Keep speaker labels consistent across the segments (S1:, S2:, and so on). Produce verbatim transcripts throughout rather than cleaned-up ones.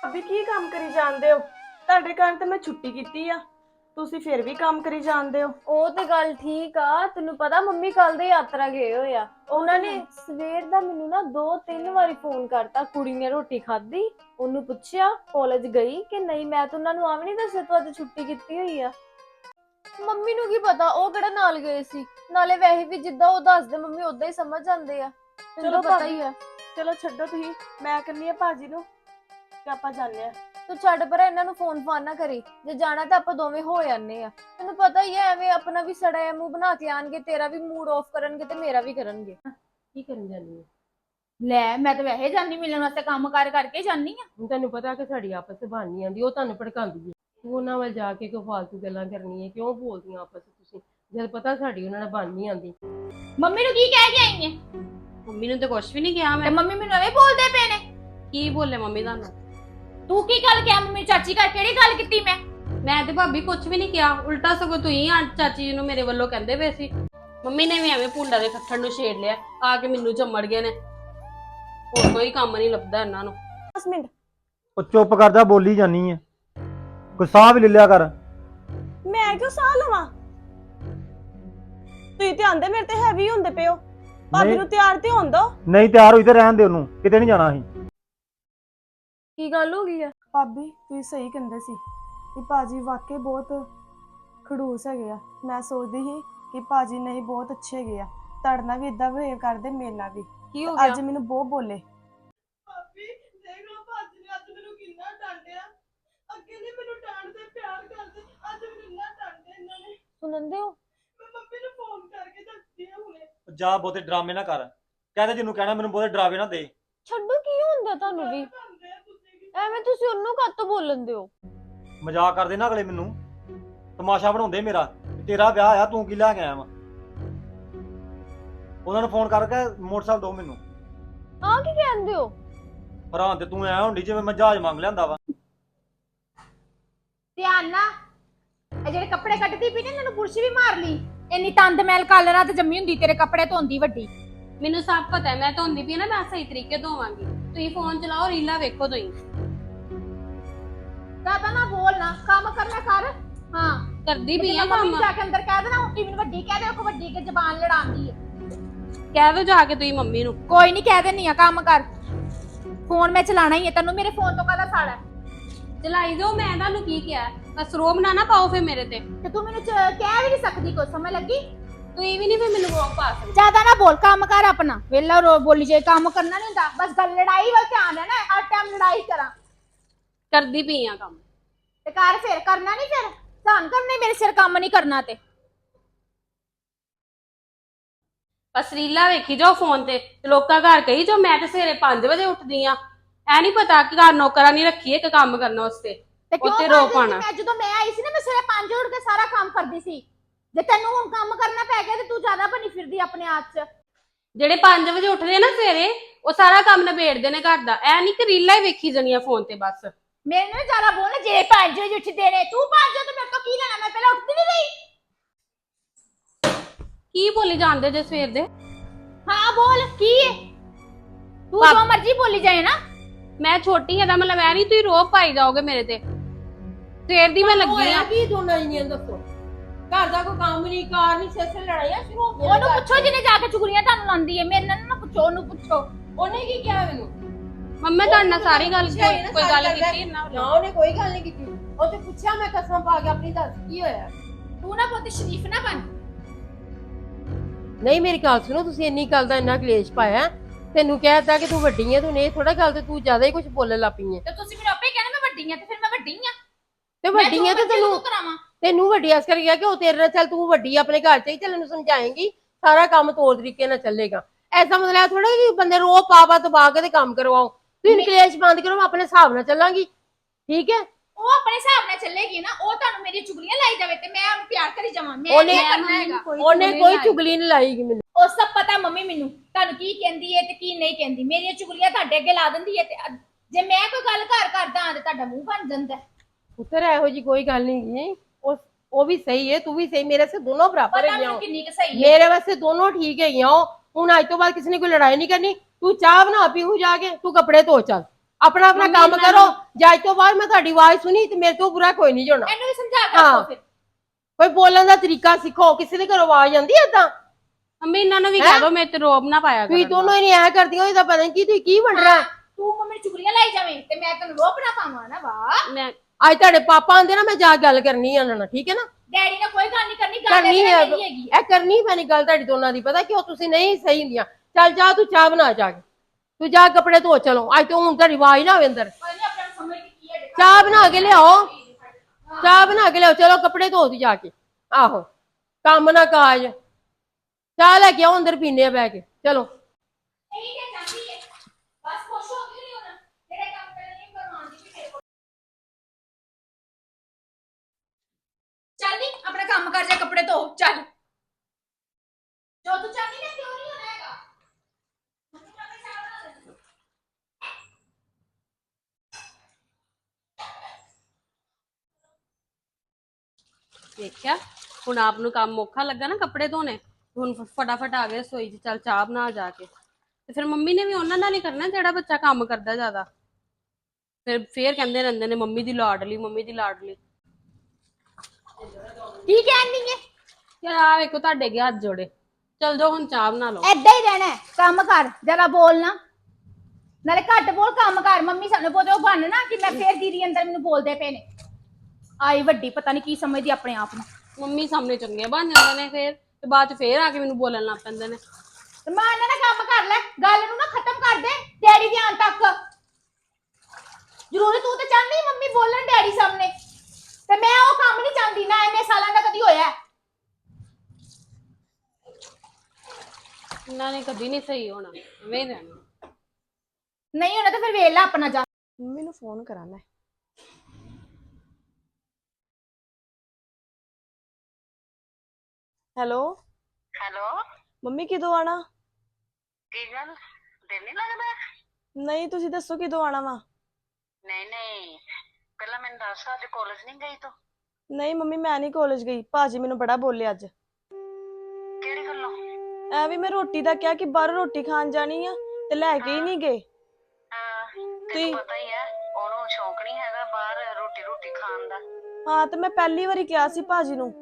S1: ਅਭੀ ਕੀ ਕੰਮ ਕਰੀ ਜਾਂਦੇ ਹੋ? ਤੁਹਾਡੇ ਕਾਰਨ ਤੇ ਮੈਂ ਛੁੱਟੀ ਕੀਤੀ ਆ, ਤੁਸੀਂ ਫਿਰ ਵੀ ਕੰਮ ਕਰੀ ਜਾਂਦੇ ਹੋ।
S2: ਉਹ ਤੇ ਗੱਲ ਠੀਕ ਆ। ਤੈਨੂੰ ਪਤਾ ਮੰਮੀ ਕੱਲ ਦੇ ਯਾਤਰਾ ਗਏ ਹੋਏ ਆ। ਉਹਨਾਂ ਨੇ ਸਵੇਰ ਦਾ ਮੈਨੂੰ ਨਾ ਦੋ ਤਿੰਨ ਵਾਰੀ ਫੋਨ ਕਰਤਾ। ਕੁੜੀ ਨੇ ਰੋਟੀ ਖਾਧੀ, ਉਹਨੂੰ ਪੁੱਛਿਆ ਕਾਲਜ ਗਈ ਕਿ ਨਹੀਂ। ਮੈਂ ਤਾਂ ਉਹਨਾਂ ਨੂੰ ਆਵ ਨਹੀਂ ਦੱਸਿਆ ਤੂੰ ਅੱਜ ਛੁੱਟੀ ਕੀਤੀ ਹੋਈ ਆ। ਮੰਮੀ ਨੂੰ ਕੀ ਪਤਾ, ਉਹ ਕਿਹੜਾ ਨਾਲ ਗਏ ਸੀ। ਨਾਲੇ ਵੈਸੇ ਵੀ ਜਿੱਦਾਂ ਉਹ ਦੱਸਦੇ ਮੰਮੀ ਉਦਾਂ ਹੀ ਸਮਝ ਜਾਂਦੇ ਆ।
S1: ਚਲੋ
S2: ਪਤਾ ਹੀ ਆ।
S1: ਚਲੋ ਛੱਡੋ, ਤੁਸੀਂ ਮੈਂ ਕਹਿੰਦੀ ਆ ਭਾਜੀ ਨੂੰ ਕਿ ਆਪਾਂ ਜਾਂਦੇ ਆ।
S2: ਤੂੰ ਛੱਡ ਪਰ, ਇਹਨਾਂ ਨੂੰ ਫੋਨ ਫਾਨ ਨਾ ਕਰੀ। ਜੇ ਜਾਣਾ ਤਾਂ ਆਪਾਂ ਦੋਵੇਂ ਹੋ ਜਾਂਦੇ ਆ। ਤੈਨੂੰ ਪਤਾ ਹੀ ਹੈ ਐਵੇਂ ਆਪਣਾ ਵੀ ਸੜਾ ਮੂੰਹ ਬਣਾ ਕੇ ਆਣਗੇ, ਤੇਰਾ ਵੀ ਮੂਡ ਆਫ ਕਰਨਗੇ ਤੇ ਮੇਰਾ ਵੀ ਕਰਨਗੇ।
S3: ਕੀ ਕਰਨ ਜਾਨੀ ਹੈ?
S4: ਲੈ ਮੈਂ ਤਾਂ ਵੈਸੇ ਜਾਨੀ ਮਿਲਣ ਵਾਸਤੇ, ਕੰਮ ਕਾਰ ਕਰਕੇ ਜਾਨੀ ਆ।
S3: ਹੁਣ ਤੈਨੂੰ ਪਤਾ ਕਿ ਸਾਡੀ ਆਪਸ ਵਿੱਚ ਬਣ ਨਹੀਂ ਆਉਂਦੀ, ਉਹ ਤੁਹਾਨੂੰ ਭੜਕਾਉਂਦੀ ਹੈ। ਤੂੰ ਉਹਨਾਂ ਵੱਲ ਜਾ ਕੇ ਕੋਈ ਫਾਲਤੂ ਗੱਲਾਂ ਕਰਨੀ ਹੈ, ਕਿਉਂ ਬੋਲਦੀਆਂ ਆਪਸ ਵਿੱਚ ਤੁਸੀਂ, ਜਦ ਪਤਾ ਸਾਡੀ ਉਹਨਾਂ ਨਾਲ ਬਣ ਨਹੀਂ ਆਉਂਦੀ।
S4: ਮੰਮੀ ਨੂੰ ਕੀ ਕਹਿ ਕੇ ਆਈ ਹੈ?
S5: ਮੰਮੀ ਨੂੰ ਤੇ ਕੁਛ ਵੀ ਨਹੀਂ ਕਿਹਾ
S4: ਤੇ
S5: ਮੈਂ।
S4: ਮੰਮੀ ਮੈਨੂੰ ਐਵੇਂ ਬੋਲਦੇ ਪਏ ਨੇ।
S5: ਕੀ ਬੋਲੇ ਮੰਮੀ ਤੁਹਾਨੂੰ?
S4: ਤੂੰ ਕੀ ਗੱਲ ਕਿਹਾ ਮੰਮੀ ਚਾਚੀ ਘਰ? ਕਿਹੜੀ ਗੱਲ ਕੀਤੀ ਮੈਂ?
S5: ਮੈਂ ਤੇ ਭਾਬੀ ਕੁਛ ਵੀ ਨਹੀਂ ਕਿਹਾ, ਉਲਟਾ ਸਗੋਂ ਤੁਸੀਂ ਆ ਚਾਚੀ ਜੀ ਨੂੰ ਮੇਰੇ ਵੱਲੋਂ ਕਹਿੰਦੇ ਪਏ ਸੀ। ਮੰਮੀ ਨੇ ਵੀ ਐਵੇਂ ਭੁੰਡਾ ਦੇ ਖੱਖਣ ਨੂੰ ਛੇੜ ਲਿਆ, ਆ ਕੇ ਮੈਨੂੰ ਚੰਮੜ ਗਏ ਨੇ। ਹੋਰ ਕੋਈ ਕੰਮ ਨਹੀਂ ਲੱਭਦਾ ਇਹਨਾਂ ਨੂੰ।
S1: ਦਸ ਮਿੰਟ
S6: ਉਹ ਚੁੱਪ ਕਰ ਜਾ, ਬੋਲੀ ਜਾਨੀ ਹੈ, ਕੋਈ ਸਾਹ ਵੀ ਲੈ ਲਿਆ ਕਰ।
S1: ਮੈਂ ਕਿਉਂ ਸਾਹ ਲਵਾਂ? ਤੁਸੀਂ ਤੇ ਆਂਦੇ ਮੇਰੇ ਤੇ ਹੈਵੀ ਹੁੰਦੇ ਪਿਓ। ਭਾਬੀ
S6: ਨਹੀਂ।
S1: ਨੂੰ ਤਿਆਰ ਤੇ ਹੋਣ ਦੋ।
S6: ਨਹੀਂ ਤਿਆਰ ਹੋਈ ਤੇ ਰਹਿਣ ਦੇ, ਉਹਨੂੰ ਕਿਤੇ ਨਹੀਂ ਜਾਣਾ ਅਸੀਂ।
S2: ਕੀ ਗੱਲ ਹੋ ਗਈ ਆ?
S1: ਭਾਬੀ ਤੁਸੀਂ ਸਹੀ ਕਹਿੰਦੇ ਸੀ ਕਿ ਭਾਜੀ ਵਾਕਈ ਬਹੁਤ ਖੜੂਸ ਹੈਗੇ ਆ। ਮੈਂ ਸੋਚਦੀ ਸੀ ਕਿ ਭਾਜੀ ਨਹੀਂ ਬਹੁਤ ਅੱਛੇ ਹੈਗੇ ਆ, ਤੁਹਾਡੇ ਵੀ ਇਦਾਂ ਬਿਹੇਵ ਕਰਦੇ, ਮੇਰੇ ਨਾਲ ਵੀ।
S2: ਕੀ ਹੋ
S1: ਅੱਜ
S2: ਗਿਆ?
S1: ਮੈਨੂੰ ਬਹੁਤ ਬੋਲੇ। ਭਾਬੀ ਦੇਖ ਲਓ, ਭਾਜੀ ਨੇ ਅੱਜ ਮੈਨੂੰ ਕਿੰਨਾ ਡਾਂਟਿਆ। ਅੱਗੇ ਨਹੀਂ ਮੈਨੂੰ ਡਾਂਟਦੇ, ਪਿਆਰ ਕਰਦੇ, ਅੱਜ ਮੈਨੂੰ ਇੰਨਾ ਡਾਂਟਿਆ ਇਹਨਾਂ ਨੇ।
S2: ਸੁਣਦੇ ਹੋ?
S1: ਮੈਂ ਮੰਮੀ ਨੂੰ ਫੋਨ ਕਰਕੇ ਦੱਸਦੀ ਆ ਹੁਣੇ।
S6: ਜਾ ਬਹੁਤੇ ਡਰਾਮੇ ਨਾ ਕਰ, ਕਹਿੰਦੇ ਜਿਹਨੂੰ ਕਹਿਣਾ ਮੈਨੂੰ ਬਹੁਤੇ ਡਰਾਵੇ ਨਾ ਦੇ।
S2: ਛੱਡੋ, ਕੀ ਹੁੰਦਾ ਤੁਹਾਨੂੰ ਵੀ? ਐਵੇਂ ਤੁਸੀਂ ਉਹਨੂੰ ਕਾਹਤੋਂ ਬੋਲਣ ਦਿਓ?
S6: ਮਜ਼ਾਕ ਕਰਦੇ ਨਾ ਅਗਲੇ, ਮੈਨੂੰ ਤਮਾਸ਼ਾ ਬਣਾਉਂਦੇ ਮੇਰਾ। ਤੇਰਾ ਵਿਆਹ ਆ, ਤੂੰ ਕੀ ਲੈ ਕੇ ਆਇਆ ਵਾ? ਉਹਨਾਂ ਨੂੰ ਫੋਨ ਕਰਕੇ ਮੋਟਰਸਾਈਕਲ ਦੋ ਮੈਨੂੰ।
S2: ਆਹ ਕੀ ਕਹਿੰਦੇ ਹੋ?
S6: ਭਰਾ ਤੇ ਤੂੰ ਐ ਹੁੰਦੀ ਜਿਵੇਂ ਮੈਂ ਜਹਾਜ਼ ਮੰਗ ਲਿਆਂਦਾ ਵਾ।
S4: ਧਿਆਨ ਨਾ, ਇਹ ਜਿਹੜੇ ਕੱਪੜੇ ਕੱਢਦੀ ਪਈ ਨੇ ਇਹਨਾਂ ਨੂੰ ਬੁਰਸ਼ ਵੀ ਮਾਰ ਲਈ। ਇੰਨੀ ਤੰਦ ਮੈਲ ਕੱਲ ਰਾਤ ਜੰਮੀ ਹੁੰਦੀ ਤੇਰੇ ਕੱਪੜੇ ਧੋਂਦੀ ਵੱਡੀ।
S5: ਮੈਨੂੰ ਸਭ ਪਤਾ ਹੈ, ਮੈਂ ਧੋਂਦੀ ਪਈ ਨਾ, ਮੈਂ ਸਹੀ ਤਰੀਕੇ ਧੋਵਾਂਗੀ। ਤੁਸੀਂ ਫੋਨ ਚਲਾਓ, ਰੀਲਾਂ ਵੇਖੋ ਤੁਸੀਂ।
S4: ਜ਼ਿਆਦਾ ਨਾ ਬੋਲ ਨਾ, ਕੰਮ ਕਰਨਾ ਕਰ। ਹਾਂ
S5: ਕਰਦੀ ਪਈ ਆ
S4: ਮੰਮੀ
S5: ਕੰਮ।
S4: ਜਾ ਕੇ ਅੰਦਰ ਕਹਿ ਦੇਣਾ ਉੱਟੀ ਮੈਨੂੰ ਵੱਡੀ ਕਹਿ ਦੇ, ਉਹ ਵੱਡੀ ਕੇ ਜ਼ਬਾਨ ਲੜਾਉਂਦੀ ਹੈ।
S5: ਕਹਿ ਦੋ ਜਾ ਕੇ ਤੁਸੀਂ ਮੰਮੀ ਨੂੰ।
S4: ਕੋਈ ਨਹੀਂ ਕਹਿ ਦੇਣੀ ਆ, ਕੰਮ ਕਰ। ਫੋਨ ਮੈਂ ਚਲਾਣਾ ਹੀ ਹੈ, ਤੈਨੂੰ ਮੇਰੇ ਫੋਨ ਤੋਂ ਕਾਹਦਾ ਸਾੜਾ?
S5: ਚਲਾਈ ਦਿਓ, ਮੈਂ ਤੁਹਾਨੂੰ ਕੀ ਕਿਹਾ? ਬਸ ਰੋਬ ਨਾ ਨਾ ਪਾਓ ਫੇ ਮੇਰੇ ਤੇ।
S4: ਤੇ ਤੂੰ ਮੈਨੂੰ ਚ- ਕਹਿ ਵੀ ਨਹੀਂ ਸਕਦੀ, ਕੋਈ ਸਮਝ ਲੱਗੀ?
S5: ਤੁਸੀਂ ਵੀ ਨਹੀਂ ਫੇ ਮੈਨੂੰ ਰੋਬ ਪਾ ਸਕਦੇ।
S4: ਜ਼ਿਆਦਾ ਨਾ ਬੋਲ, ਕੰਮ ਕਰ ਆਪਣਾ। ਵੇਲਾ ਰੋ ਬੋਲੀ ਜੇ, ਕੰਮ ਕਰਨਾ ਨਹੀਂ ਹੁੰਦਾ। ਬਸ ਗੱਲ ਲੜਾਈ ਵੱਲ ਧਿਆਨ ਹੈ ਨਾ, ਹਰ ਟਾਈਮ ਲੜਾਈ ਕਰਾਂ
S5: ਕਰਦੀ ਪਈ ਆ ਕੰਮ।
S4: ਤੇ ਕਰ ਫਿਰ, ਕਰਨਾ ਨਹੀਂ ਫਿਰ ਧਿਆਨ ਕਰਨੇ ਮੇਰੇ ਸਿਰ ਕੰਮ ਨਹੀਂ ਕਰਨਾ। ਤੇ
S5: ਬਸ ਰੀਲਾਂ ਵੇਖੀ ਜਾਓ ਫੋਨ ਤੇ, ਲੋਕਾਂ ਘਰ ਕਹੀ ਜੋ ਮੈਂ ਤੇ ਸਵੇਰੇ ਪੰਜ ਵਜੇ ਉੱਠਦੀ ਆ। ਐ ਨਹੀਂ ਪਤਾ ਕਿ ਘਰ ਨੌਕਰਾਂ ਨਹੀਂ ਰੱਖੀ ਇੱਕ ਕੰਮ ਕਰਨ ਵਾਸਤੇ।
S4: ਤੇ ਕਿਉਂ
S5: ਉੱਤੇ
S4: ਕਰਦੀ
S5: ਰੋ
S4: ਸੀ?
S5: ਪਾਣਾ।
S4: ਮੈਂ ਜਦੋਂ ਮੈਂ ਆਈ ਸੀ ਨਾ, ਮੈਂ ਸਵੇਰੇ ਪੰਜ ਉੱਠ ਕੇ ਸਾਰਾ ਕੰਮ ਕਰਦੀ ਸੀ। ਜੇ ਤੈਨੂੰ ਹੁਣ ਕੰਮ ਕਰਨਾ ਪੈ ਗਿਆ ਤੇ ਤੂੰ ਜ਼ਿਆਦਾ ਬਣੀ ਫਿਰਦੀ ਆਪਣੇ ਆਪ 'ਚ।
S5: ਜਿਹੜੇ ਪੰਜ ਵਜੇ ਉੱਠਦੇ ਆ ਨਾ ਸਵੇਰੇ, ਉਹ ਸਾਰਾ ਕੰਮ ਨਿਬੇੜਦੇ ਨੇ ਘਰ ਦਾ। ਐ ਨਹੀਂ ਕਿ ਰੀਲਾਂ ਹੀ ਵੇਖੀ ਜਾਣੀਆਂ ਫੋਨ ਤੇ ਬਸ।
S4: ਮੇਰੇ ਨਾਲ ਜ਼ਿਆਦਾ ਬੋਲਣਾ, ਜੇ ਪੰਜ ਵਜੇ ਉੱਠਦੇ ਨੇ, ਤੂੰ ਪੰਜ ਵਜੇ ਤੋਂ ਮੇਰੇ ਤੋਂ ਕੀ ਲੈਣਾ? ਮੈਂ ਪਹਿਲਾਂ ਉੱਠਦੀ ਨਹੀਂ ਰਹੀ।
S5: ਕੀ ਬੋਲੀ ਜਾਂਦੇ ਜੇ ਸਵੇਰ ਦੇ?
S4: ਹਾਂ ਬੋਲ, ਕੀ ਹੈ? ਤੂੰ
S5: ਪਾਪ-
S4: ਜੋ ਮਰਜ਼ੀ ਬੋਲੀ ਜਾਏ ਨਾ।
S5: ਮੈਂ ਛੋਟੀ ਆ ਦਾ ਮਤਲਬ ਐ ਨਹੀਂ ਤੁਸੀਂ ਰੋਬ ਪਾਈ ਜਾਓਗੇ ਮੇਰੇ ਤੇ। ਸਵੇਰ ਦੀ ਮੈਂ ਲੱਗੀ
S3: ਹੋਇਆ
S5: ਆ।
S3: ਕੀ ਦੋਨਾਂ ਜਣੀਆਂ ਦੱਸੋ? ਘਰ ਦਾ ਕੋਈ ਕੰਮ ਨਹੀਂ, ਕਾਰ ਨਹੀਂ, ਸਿਰ ਸਿਰ ਲੜਾਈਆਂ ਸ਼ੁਰੂ ਹੋ ਗਈਆਂ।
S4: ਉਹਨੂੰ ਪੁੱਛੋ ਜਿਹਨੇ ਜਾ ਕੇ ਚੁਗਲੀਆਂ ਤੁਹਾਨੂੰ ਲਾਉਂਦੀ ਹੈ। ਮੇਰੇ ਨਾਲ ਨਾ ਪੁੱਛੋ, ਉਹਨੂੰ ਪੁੱਛੋ।
S3: ਉਹਨੇ ਕੀ ਕਿਹਾ ਮੈਨੂੰ?
S5: ਮੰਮੀ ਤੁਹਾਡੇ ਨਾਲ ਸਾਰੀ ਗੱਲ
S3: ਪੁੱਛਿਆ ਹੀ
S5: ਕੋਈ
S3: ਨਾ,
S5: ਕੋਈ
S3: ਸਾਰੀ
S5: ਗੱਲ
S3: ਗੱਲ
S5: ਕੀਤੀ ਨਾ?
S3: ਨਾ ਉਹਨੇ ਕੋਈ ਗੱਲ ਨਹੀਂ ਕੀਤੀ। ਉਹ ਤੇ ਪੁੱਛਿਆ, ਮੈਂ ਕਸਮ ਪਾ ਕੇ ਆਪਣੀ ਦੱਸ ਕੀ ਹੋਇਆ।
S4: ਤੂੰ ਨਾ ਬਹੁਤ ਸ਼ਰੀਫ ਨਾ ਬਣ।
S3: ਨਹੀਂ ਮੇਰੀ ਗੱਲ ਸੁਣੋ, ਤੁਸੀਂ ਇੰਨੀ ਗੱਲ ਦਾ ਇੰਨਾ ਕਲੇਸ਼ ਪਾਇਆ। ਤੈਨੂੰ ਕਹਿਤਾ ਕਿ ਤੂੰ ਵੱਡੀ ਹੈ, ਤੂੰ ਇਹ ਥੋੜਾ ਗੱਲ ਤੇ ਤੂੰ ਜ਼ਿਆਦਾ ਹੀ ਕੁਝ ਬੋਲਣ ਲੱਗ ਪਈ ਹੈ।
S4: ਤੇ ਤੁਸੀਂ ਮੈਨੂੰ ਆਪੇ ਕਹਿਣਾ ਮੈਂ ਵੱਡੀ ਆ, ਤੇ ਫਿਰ ਮੈਂ ਵੱਡੀ ਆ।
S3: ਤੇ ਵੱਡੀ ਹੈ ਤੇ ਤੈਨੂੰ
S4: ਕਰਾਵਾਂ।
S3: ਤੈਨੂੰ ਵੱਡੀ ਅਸਕਰ ਗਿਆ ਕਿ ਉਹ ਤੇਰੇ ਨਾਲ ਚੱਲ, ਤੂੰ ਵੱਡੀ ਆਪਣੇ ਘਰ ਚ ਹੀ ਚੱਲ, ਨੂੰ ਸਮਝਾਏਂਗੀ ਸਾਰਾ ਕੰਮ ਤੋਰ ਤਰੀਕੇ ਨਾਲ ਚੱਲੇਗਾ। ਐਸਾ ਮਤਲਬ ਥੋੜਾ ਕਿ ਬੰਦੇ ਰੋ ਪਾ ਪਾ ਦਬਾ ਕੇ ਤੇ ਕੰਮ ਕਰਵਾਓ। ਤੁਸੀਂ ਕਲੇਸ਼ ਬੰਦ ਕਰੋ, ਮੈਂ ਆਪਣੇ ਹਿਸਾਬ ਨਾਲ ਚੱਲਾਂਗੀ, ਠੀਕ ਹੈ?
S4: ਉਹ ਆਪਣੇ ਹਿਸਾਬ ਨਾਲ ਚੱਲੇਗੀ ਨਾ। ਉਹ ਤੁਹਾਨੂੰ ਮੇਰੀ ਚੁਗਲੀਆਂ ਲਾਈ ਜਾਵੇ ਤੇ ਮੈਂ ਉਹਨੂੰ ਪਿਆਰ ਕਰੀ ਜਾਵਾਂ। ਮੈਂ
S3: ਉਹਨੇ
S4: ਨਹੀਂ ਕਰਨਾ ਹੈਗਾ।
S3: ਉਹਨੇ ਕੋਈ ਚੁਗਲੀ ਨਹੀਂ ਲਾਈ ਮੈਨੂੰ।
S4: ਉਹ ਸਭ ਪਤਾ ਮੰਮੀ ਮੈਨੂੰ, ਤੁਹਾਨੂੰ ਕੀ ਕਹਿੰਦੀ ਹੈ ਤੇ ਕੀ ਨਹੀਂ ਕਹਿੰਦੀ। ਮੇਰੀਆਂ ਚੁਗਲੀਆਂ ਤੁਹਾਡੇ ਅੱਗੇ ਲਾ ਦਿੰਦੀ ਹੈ, ਤੇ ਅ- ਜੇ ਮੈਂ ਕੋਈ ਗੱਲ ਘਰ ਕਰਦਾ ਤੇ ਤੁਹਾਡਾ ਮੂੰਹ ਬਣ ਜਾਂਦਾ।
S3: ਪੁੱਤਰ ਇਹੋ ਜੀ ਕੋਈ ਗੱਲ ਨਹੀਂ। ਉਹ ਉਹ ਵੀ ਸਹੀ ਹੈ, ਤੂੰ ਵੀ ਸਹੀ, ਮੇਰੇ ਸੇ ਦੋਨੋਂ ਬਰਾਬਰ
S4: ਪਤਾ
S3: ਹੈਗੀਆਂ।
S4: ਮੈਨੂੰ ਕਿੰਨੀ ਕੁ ਸਹੀ ਹੈ।
S3: ਮੇਰੇ ਵਾਸਤੇ ਦੋਨੋਂ ਠੀਕ ਹੈਗੀਆਂ। ਉਹ ਹੁਣ ਅੱਜ ਤੋਂ ਬਾਅਦ ਕਿਸੇ ਨੇ ਕੋਈ ਲੜਾਈ ਨਹੀਂ ਕਰਨੀ। ਤੂੰ ਚਾਹ ਬਣਾ ਪੀਊ ਜਾ ਕੇ, ਤੂੰ ਕੱਪੜੇ ਧੋ ਚੱਲ। ਆਪਣਾ ਆਪਣਾ
S4: ਮੰਮੀ
S3: ਕੰਮ
S4: ਮੈਂ-
S3: ਕਰੋ। ਜੱਜ ਤੋਂ ਬਾਅਦ ਮੈਂ ਤੁਹਾਡੀ ਆਵਾਜ਼ ਸੁਣੀ ਤੇ ਮੇਰੇ ਤੋਂ ਬੁਰਾ ਕੋਈ ਨਹੀਂ ਹੋਣਾ।
S4: ਇਹਨੂੰ ਵੀ ਸਮਝਾ ਕੇ
S3: ਹਾਂ।
S4: ਰੱਖੋ ਫਿਰ।
S3: ਕੋਈ ਬੋਲਣ ਦਾ ਤਰੀਕਾ ਸਿੱਖੋ। ਕਿਸੇ ਦੇ ਘਰੋਂ ਆਵਾਜ਼ ਆਉਂਦੀ ਏਦਾਂ?
S5: ਮੰਮੀ ਇਹਨਾਂ ਨੂੰ ਵੀ
S3: ਹੈਂ?
S5: ਕਹਿ ਦੋ ਮੇਰੇ ਤੇ ਰੋਬ ਨਾ ਪਾਇਆ
S3: ਤੁਸੀਂ
S5: ਕਰੋ।
S3: ਦੋਨੋਂ ਹੀ ਨਹੀਂ ਐ ਕਰਦੀਆਂ ਇਹਦਾ ਪਤਾ ਨਹੀਂ ਕੀ ਤੁਸੀਂ ਕੀ ਬਣ ਰਿਹਾ।
S4: ਤੂੰ ਮੰਮੀ ਨੂੰ ਚੁਗਲੀਆਂ ਲਾਈ ਜਾਵੇਂ ਤੇ ਮੈਂ ਤੈਨੂੰ ਰੋਪ ਨਾ ਪਾਵਾਂ ਨਾ ਵਾਹ।
S5: ਮੈਂ
S3: ਅੱਜ ਤੁਹਾਡੇ ਪਾਪਾ ਆਂਦੇ ਨਾ ਮੈਂ ਜਾ ਕੇ ਗੱਲ ਕਰਨੀ ਆ ਉਹਨਾਂ ਨਾਲ, ਠੀਕ ਹੈ ਨਾ?
S4: ਡੈਡੀ ਨਾਲ ਕੋਈ ਗੱਲ ਨਹੀਂ ਕਰਨੀ, ਗੱਲ
S3: ਕਰਨੀ
S4: ਇਹਦੇ
S3: ਹੈ
S4: ਨਾਲ ਮੇਰੀ ਹੈਗੀ ਆ।
S3: ਇਹ ਕਰਨੀ ਪੈਣੀ ਗੱਲ ਤੁਹਾਡੀ ਦੋਨਾਂ ਦੀ। ਪਤਾ ਕਿਉਂ ਤੁਸੀਂ ਨਹੀਂ ਸਹੀ ਹੁੰਦੀਆਂ। ਚੱਲ ਜਾ ਤੂੰ ਚਾਹ ਬਣਾ ਜਾ ਕੇ। ਤੂੰ ਜਾ ਕੱਪੜੇ ਧੋ ਚਲੋ। ਅੱਜ ਤੋਂ ਹੁਣ ਤੁਹਾਡੀ ਆਵਾਜ਼ ਨਾ ਹੋਵੇ ਅੰਦਰ।
S4: ਕੋਈ ਨਹੀਂ ਆਪਣਾ ਸਮਝ ਕੇ ਕੀ ਹੈ।
S3: ਚਾਹ ਬਣਾ ਕੇ ਲਿਆਓ। ਚਾਹ ਬਣਾ ਕੇ ਲਿਆਓ। ਚਲੋ ਕੱਪੜੇ ਧੋ ਤੂੰ ਜਾ ਕੇ। ਆਹੋ ਕੰਮ ਨਾ ਕਾਜ। ਚਾਹ ਲੈ ਕੇ ਆਓ ਅੰਦਰ ਪੀਨੇ ਆ ਬਹਿ ਕੇ। ਚਲੋ
S4: ਨਹੀਂ ਤੇ ਚਾਹਦੀ ਹੈ ਬਸ ਖੁਸ਼ ਹੋ ਗਈ ਨਹੀਂ ਹੁਣ ਜਿਹੜੇ ਕੰਮ ਕਰਨੇ ਕਰਵਾਉਣ ਦੀ ਤੇਰੇ ਕੋਲ। ਚੱਲ ਨੀ ਆਪਣਾ ਕੰਮ ਕਰ ਜਾ, ਕੱਪੜੇ ਧੋ ਚੱਲ। ਜੋ ਤੂੰ ਚਾਹਦੀ ਨਾ ਕਿਉਂ ਨਹੀਂ ਹੋਣਾ ਹੈਗਾ। ਮੰਮੀ ਨੂੰ ਆਪੇ ਚਾਹ ਬਣਾ ਦੇ।
S5: ਦੇਖਿਆ ਹੁਣ ਆਪ ਨੂੰ ਕੰਮ ਔਖਾ ਲੱਗਾ ਨਾ ਕੱਪੜੇ ਧੋਣੇ। ਹੁਣ ਫ- ਫਟਾਫਟ ਆ ਗਏ ਰਸੋਈ 'ਚ, ਚੱਲ ਚਾਹ ਬਣਾ ਜਾ ਕੇ। ਤੇ ਫਿਰ ਮੰਮੀ ਨੇ ਵੀ ਉਹਨਾਂ ਨਾਲ ਹੀ ਕਰਨਾ ਜਿਹੜਾ ਬੱਚਾ ਕੰਮ ਕਰਦਾ ਜ਼ਿਆਦਾ। ਫਿਰ ਫੇਰ ਕਹਿੰਦੇ ਰਹਿੰਦੇ ਨੇ ਮੰਮੀ ਦੀ ਲਾਡਲੀ, ਮੰਮੀ ਦੀ ਲਾਡਲੀ।
S4: ਕੀ ਕਹਿਣੀ ਹੈ?
S5: ਯਾਰ ਆ ਵੇਖੋ ਤੁਹਾਡੇ ਅੱਗੇ ਹੱਥ ਜੋੜੇ। ਚਲ ਜਾਓ ਹੁਣ ਚਾਹ ਬਣਾ ਲਓ।
S4: ਐਦਾਂ ਹੀ ਰਹਿਣਾ ਹੈ, ਕੰਮ ਕਰ ਜਰਾ ਬੋਲ ਨਾ, ਨਾਲੇ ਘੱਟ ਬੋਲ ਕੰਮ ਕਰ। ਮੰਮੀ ਸਾਨੂੰ ਬੋਲਦੇ ਉਹ ਬਣ ਨਾ ਕਿ ਮੈਂ ਫੇਰ ਦੀਦੀ ਅੰਦਰ ਮੈਨੂੰ ਬੋਲਦੇ ਪਏ ਨੇ। ਆਈ ਵੱਡੀ ਪਤਾ ਨਹੀਂ ਕੀ ਸਮਝਦੀ ਆਪਣੇ ਆਪ ਨੂੰ।
S5: ਮੰਮੀ ਸਾਹਮਣੇ ਚੰਗੇ ਬਣ ਜਾਂਦੇ ਨੇ ਫੇਰ, ਤੇ ਬਾਅਦ ਚ ਫੇਰ ਆ ਕੇ ਮੈਨੂੰ ਬੋਲਣ ਲੱਗ ਪੈਂਦੇ ਨੇ।
S4: ਤੇ ਮਾਂ ਇਹਨਾਂ ਦਾ ਕੰਮ ਕਰ ਲੈ, ਗੱਲ ਨੂੰ ਨਾ ਖਤਮ ਕਰ ਦੇ ਡੈਡੀ ਦੇ ਆਉਣ ਤੱਕ। ਜ਼ਰੂਰੀ ਤੂੰ ਤੇ ਚਾਹਨੀ ਮੰਮੀ ਬੋਲਣ ਡੈਡੀ ਸਾਹਮਣੇ, ਤੇ ਮੈਂ ਉਹ ਕੰਮ ਨਹੀਂ ਚਾਹੁੰਦੀ ਨਾ ਇੰਨੇ ਸਾਲਾਂ ਦਾ ਕਦੀ ਹੋਇਆ।
S5: ਇਹਨਾਂ ਨੇ ਕਦੀ ਨਹੀਂ ਸਹੀ ਹੋਣਾ, ਐਵੇਂ ਰਹਿਣਾ।
S4: ਨਹੀਂ ਹੋਣਾ ਤਾਂ ਫਿਰ ਵੇਖ ਲੈ ਆਪਣਾ ਜਾ।
S1: ਮੰਮੀ ਨੂੰ ਫੋਨ ਕਰਾਂ ਮੈਂ। ਹੈਲੋ
S7: ਹੈਲੋ,
S1: ਮੰਮੀ ਕਦੋਂ ਆਣਾ?
S7: ਕੀ ਗੱਲ ਦਿਲ ਨਹੀਂ ਲੱਗਦਾ?
S1: ਨਹੀਂ ਤੁਸੀਂ ਦੱਸੋ ਕਦੋਂ ਆਣਾ ਵਾ?
S7: ਨਹੀਂ ਨਹੀਂ, ਪਹਿਲਾਂ ਮੈਨੂੰ ਦੱਸ ਅੱਜ ਕਾਲਜ ਨਹੀਂ ਗਈ ਤੂੰ?
S1: ਨਹੀਂ ਮੰਮੀ ਮੈਂ ਨਹੀਂ ਕਾਲਜ ਗਈ। ਭਾਜੀ ਮੈਨੂੰ ਬੜਾ ਬੋਲੇ ਅੱਜ।
S7: ਕਿਹੜੀ ਗੱਲੋਂ?
S1: ਐਵੇਂ ਮੈਂ ਰੋਟੀ ਦਾ ਕਿਹਾ ਕਿ ਬਾਹਰ ਰੋਟੀ ਖਾਣ ਜਾਣੀ ਆ ਤੇ ਲੈ ਕੇ ਹੀ ਨਹੀਂ ਗਏ।
S7: ਹਾਂ, ਤੈਨੂੰ
S1: ਤੁਸੀਂ
S7: ਪਤਾ ਹੀ ਹੈ ਉਹਨੂੰ ਸ਼ੌਂਕ ਨਹੀਂ ਹੈਗਾ ਬਾਹਰ ਰੋਟੀ ਰੋਟੀ ਖਾਣ ਦਾ।
S1: ਹਾਂ ਤੇ ਮੈਂ ਪਹਿਲੀ ਵਾਰੀ ਕਿਹਾ ਸੀ ਭਾਜੀ ਨੂੰ।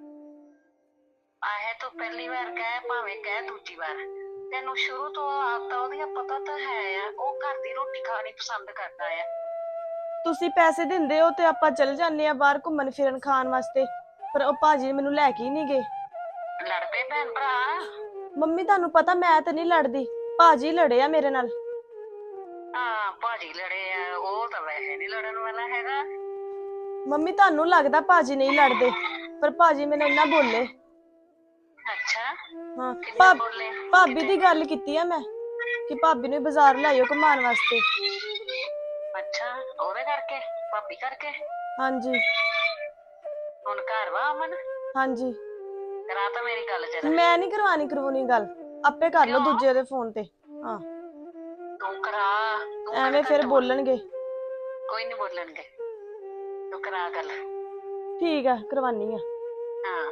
S7: ਆਹੇ ਤੂੰ ਪਹਿਲੀ ਵਾਰ ਕਹਿ ਭਾਵੇਂ ਕਹਿ ਦੂਜੀ ਵਾਰ, ਤੈਨੂੰ ਸ਼ੁਰੂ ਤੋਂ ਆਦਤਾਂ ਉਹਦੀਆਂ ਪਤਾ ਤਾਂ ਹੈ ਆ। ਉਹ ਘਰ ਦੀ ਰੋਟੀ ਖਾਣੀ ਪਸੰਦ ਕਰਦਾ ਆ।
S1: ਤੁਸੀਂ ਪੈਸੇ ਦਿੰਦੇ ਹੋ ਤੇ ਆਪਾਂ ਚੱਲ ਜਾਂਦੇ ਆ ਬਾਹਰ ਘੁੰਮਣ ਫਿਰਨ ਖਾਣ ਵਾਸਤੇ, ਪਰ ਉਹ ਭਾਜੀ ਮੈਨੂੰ ਲੈ ਕੇ ਹੀ ਨਹੀਂ ਗਏ।
S7: ਲੜ ਪਏ ਭੈਣ ਭਰਾ?
S1: ਮੰਮੀ ਤੁਹਾਨੂੰ ਪਤਾ ਮੈਂ ਤੇ ਨਹੀਂ ਲੜਦੀ, ਭਾਜੀ ਲੜੇ ਆ ਮੇਰੇ ਨਾਲ।
S7: ਹਾਂ ਭਾਜੀ ਲੜੇ ਆ, ਉਹ ਤਾਂ ਵੈਸੇ ਨਹੀਂ ਲੜਨ ਵਾਲਾ ਹੈਗਾ।
S1: ਮੰਮੀ ਤੁਹਾਨੂੰ ਲੱਗਦਾ ਭਾਜੀ ਨਹੀਂ ਲੜਦੇ, ਪਰ ਭਾਜੀ ਮੈਨੂੰ ਇੰਨਾ ਬੋਲੇ।
S7: ਅੱਛਾ,
S1: ਹਾਂ
S7: ਕਿੰਨੇ
S1: ਭਾ-
S7: ਬੋਲੇ?
S1: ਭਾਬੀ ਦੀ ਗੱਲ ਕੀਤੀ ਆ ਮੈਂ ਕਿ ਭਾਬੀ ਨੂੰ ਬਾਜ਼ਾਰ ਲਾਇਓ ਘੁਮਾਉਣ ਵਾਸਤੇ।
S7: ਅੱਛਾ, ਉਹਦੇ ਕਰਕੇ ਭਾਬੀ ਕਰਕੇ?
S1: ਹਾਂਜੀ
S7: ਹੁਣ ਘਰ ਵਾ ਅਮਨ?
S1: ਹਾਂਜੀ।
S7: ਕਰਾ ਤਾਂ ਮੇਰੀ ਗੱਲ ਜਰਾ।
S1: ਮੈਂ ਨਹੀਂ ਕਰਵਾਣੀ ਕਰਵਾਉਣੀ ਗੱਲ, ਆਪੇ ਕਰ ਲਓ
S7: ਕਿਉਂ?
S1: ਦੂਜੇ ਦੇ ਫੋਨ ਤੇ। ਹਾਂ
S7: ਤੂੰ ਕਰਾ, ਤੂੰ
S1: ਐਵੇਂ
S7: ਕਿਹੜਾ
S1: ਫਿਰ
S7: ਘੱਟ ਵਾ?
S1: ਬੋਲਣਗੇ।
S7: ਕੋਈ ਨਹੀਂ ਬੋਲਣਗੇ, ਤੂੰ ਕਰਾ ਗੱਲ।
S1: ਠੀਕ ਆ ਕਰਵਾਨੀ ਆ।
S7: ਹਾਂ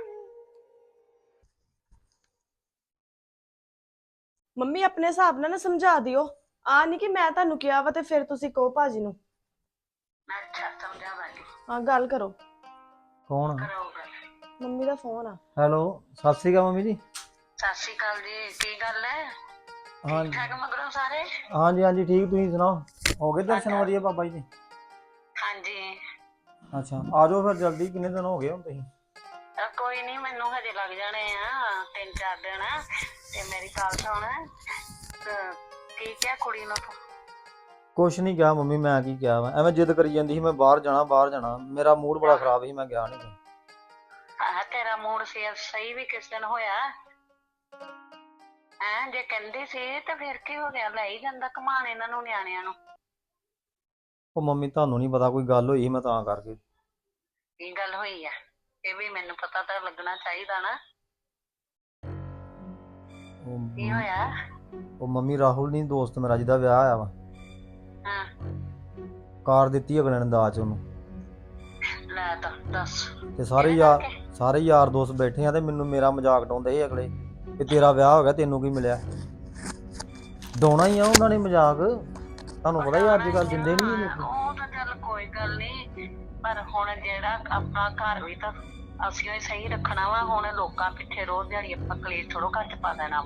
S1: ਮੰਮੀ ਆਪਣੇ ਹਿਸਾਬ ਨਾਲ ਨਾ ਸਮਝਾ ਦਿਓ। ਆ ਨਹੀਂ ਕਿ ਮੈਂ ਤੁਹਾਨੂੰ ਕਿਹਾ ਵਾ ਤੇ ਫਿਰ ਤੁਸੀਂ ਕਹੋ ਭਾਜੀ ਨੂੰ।
S7: ਅੱਛਾ ਸਮਝਾਵਾਂਗੀ।
S1: ਹਾਂ ਗੱਲ ਕਰੋ।
S6: ਕੌਣ?
S7: ਕਰਾਓ ਗੱਲ।
S1: ਮੰਮੀ ਦਾ ਫੋਨ ਆ।
S6: ਹੈਲੋ, ਸਤਿ ਸ਼੍ਰੀ ਅਕਾਲ ਮੰਮੀ ਜੀ।
S7: ਸਤਿ ਸ਼੍ਰੀ ਅਕਾਲ ਜੀ, ਕੀ ਗੱਲ ਹੈ?
S6: ਹਾਂ
S7: ਠੀਕ ਠਾਕ ਮਗਰੋਂ ਸਾਰੇ?
S6: ਹਾਂਜੀ ਹਾਂਜੀ ਠੀਕ, ਤੁਸੀਂ ਸੁਣਾਓ? ਹੋ ਗਏ ਦਰਸ਼ਨ ਵਧੀਆ ਬਾਬਾ ਜੀ ਦੇ?
S7: ਹਾਂਜੀ।
S6: ਅੱਛਾ ਆ ਜਾਓ ਫਿਰ ਜਲਦੀ, ਕਿੰਨੇ ਦਿਨ ਹੋ ਗਏ ਹੁਣ ਤੁਸੀਂ?
S7: ਅ, ਕੋਈ ਨਹੀਂ ਮੈਨੂੰ ਹਜੇ ਲੱਗ ਜਾਣੇ ਆ ਤਿੰਨ ਚਾਰ ਦਿਨ। ਤੇ ਮੇਰੀ ਗੱਲ ਸੁਣ, ਅ, ਕੀ ਕਿਹਾ ਕੁੜੀ ਨੂੰ ਤੂੰ?
S6: ਕੁਛ ਨਹੀਂ ਕਿਹਾ ਮੰਮੀ, ਮੈਂ ਕੀ ਕਿਹਾ ਵਾ, ਐਵੇਂ ਜਿੱਦ ਕਰੀ ਜਾਂਦੀ ਸੀ ਮੈਂ ਬਾਹਰ ਜਾਣਾ ਬਾਹਰ ਜਾਣਾ। ਮੇਰਾ ਮੂਡ ਬੜਾ ਖਰਾਬ ਸੀ, ਮੈਂ ਗਿਆ ਨਹੀਂ।
S7: ਆਹ ਤੇਰਾ ਮੂਡ ਫੇਰ ਸਹੀ ਵੀ ਕਿਸ ਦਿਨ ਹੋਇਆ ਹੈਂ? ਜੇ ਕਹਿੰਦੀ ਸੀ ਤੇ ਫਿਰ ਕੀ ਹੋ ਗਿਆ? ਲੈ ਹੀ ਜਾਂਦਾ ਘੁਮਾਣ ਇਹਨਾਂ ਨੂੰ, ਨਿਆਣਿਆਂ ਨੂੰ।
S6: ਉਹ ਮੰਮੀ ਤੁਹਾਨੂੰ ਨਹੀਂ ਪਤਾ, ਕੋਈ ਗੱਲ ਹੋਈ ਸੀ ਮੈਂ ਤਾਂ ਕਰਕੇ।
S7: ਕੀ ਗੱਲ ਹੋਈ ਆ? ਇਹ ਵੀ ਮੈਨੂੰ ਪਤਾ ਤਾਂ ਲੱਗਣਾ ਚਾਹੀਦਾ ਨਾ।
S6: ਉਹ
S7: ਕੀ ਹੋਇਆ?
S6: ਉਹ ਮੰਮੀ ਰਾਹੁਲ ਨਹੀਂ ਦੋਸਤ ਮੇਰਾ ਜਿਹਦਾ ਵਿਆਹ ਆਇਆ ਵਾ,
S7: ਹਾਂ
S6: ਕਾਰ ਦਿੱਤੀ ਅਗਲੇ ਨੇ ਦਾਜ ਉਹਨੂੰ।
S7: ਲੈ ਤਾਂ ਦੱਸ।
S6: ਤੇ ਸਾਰੇ
S7: ਇਹਦੇ
S6: ਯਾਰ
S7: ਕਰਕੇ?
S6: ਸਾਰੇ ਯਾਰ ਦੋਸਤ ਬੈਠੇ ਆ ਤੇ ਮੈਨੂੰ ਮੇਰਾ ਮਜ਼ਾਕ ਡਾਉਂਦੇ ਸੀ ਅਗਲੇ ਕਿ ਤੇਰਾ ਵਿਆਹ ਹੋ ਗਿਆ ਤੈਨੂੰ ਕੀ ਮਿਲਿਆ। ਡਾਉਣਾ ਹੀ ਆ ਉਹਨਾਂ ਨੇ ਮਜ਼ਾਕ। ਤੁਹਾਨੂੰ ਪਤਾ ਹੀ ਅੱਜ ਕੱਲ ਦਿੰਦੇ ਨਹੀਂ
S7: ਹਾਂ, ਉਹ ਤਾਂ ਚੱਲ ਕੋਈ ਗੱਲ ਨਹੀਂ, ਪਰ ਹੁਣ ਜਿਹੜਾ ਆਪਣਾ ਘਰ ਵੀ ਤਾਂ ਅਸੀਂ ਹੀ ਸਹੀ ਰੱਖਣਾ ਵਾ। ਹੁਣ ਲੋਕਾਂ ਪਿੱਛੇ ਰੋਜ਼ ਦਿਹਾੜੀ ਆਪਾਂ ਕਲੇਸ਼ ਥੋੜੋ ਘਰ ਚ ਪਾ ਦੇਣਾ ਵਾ।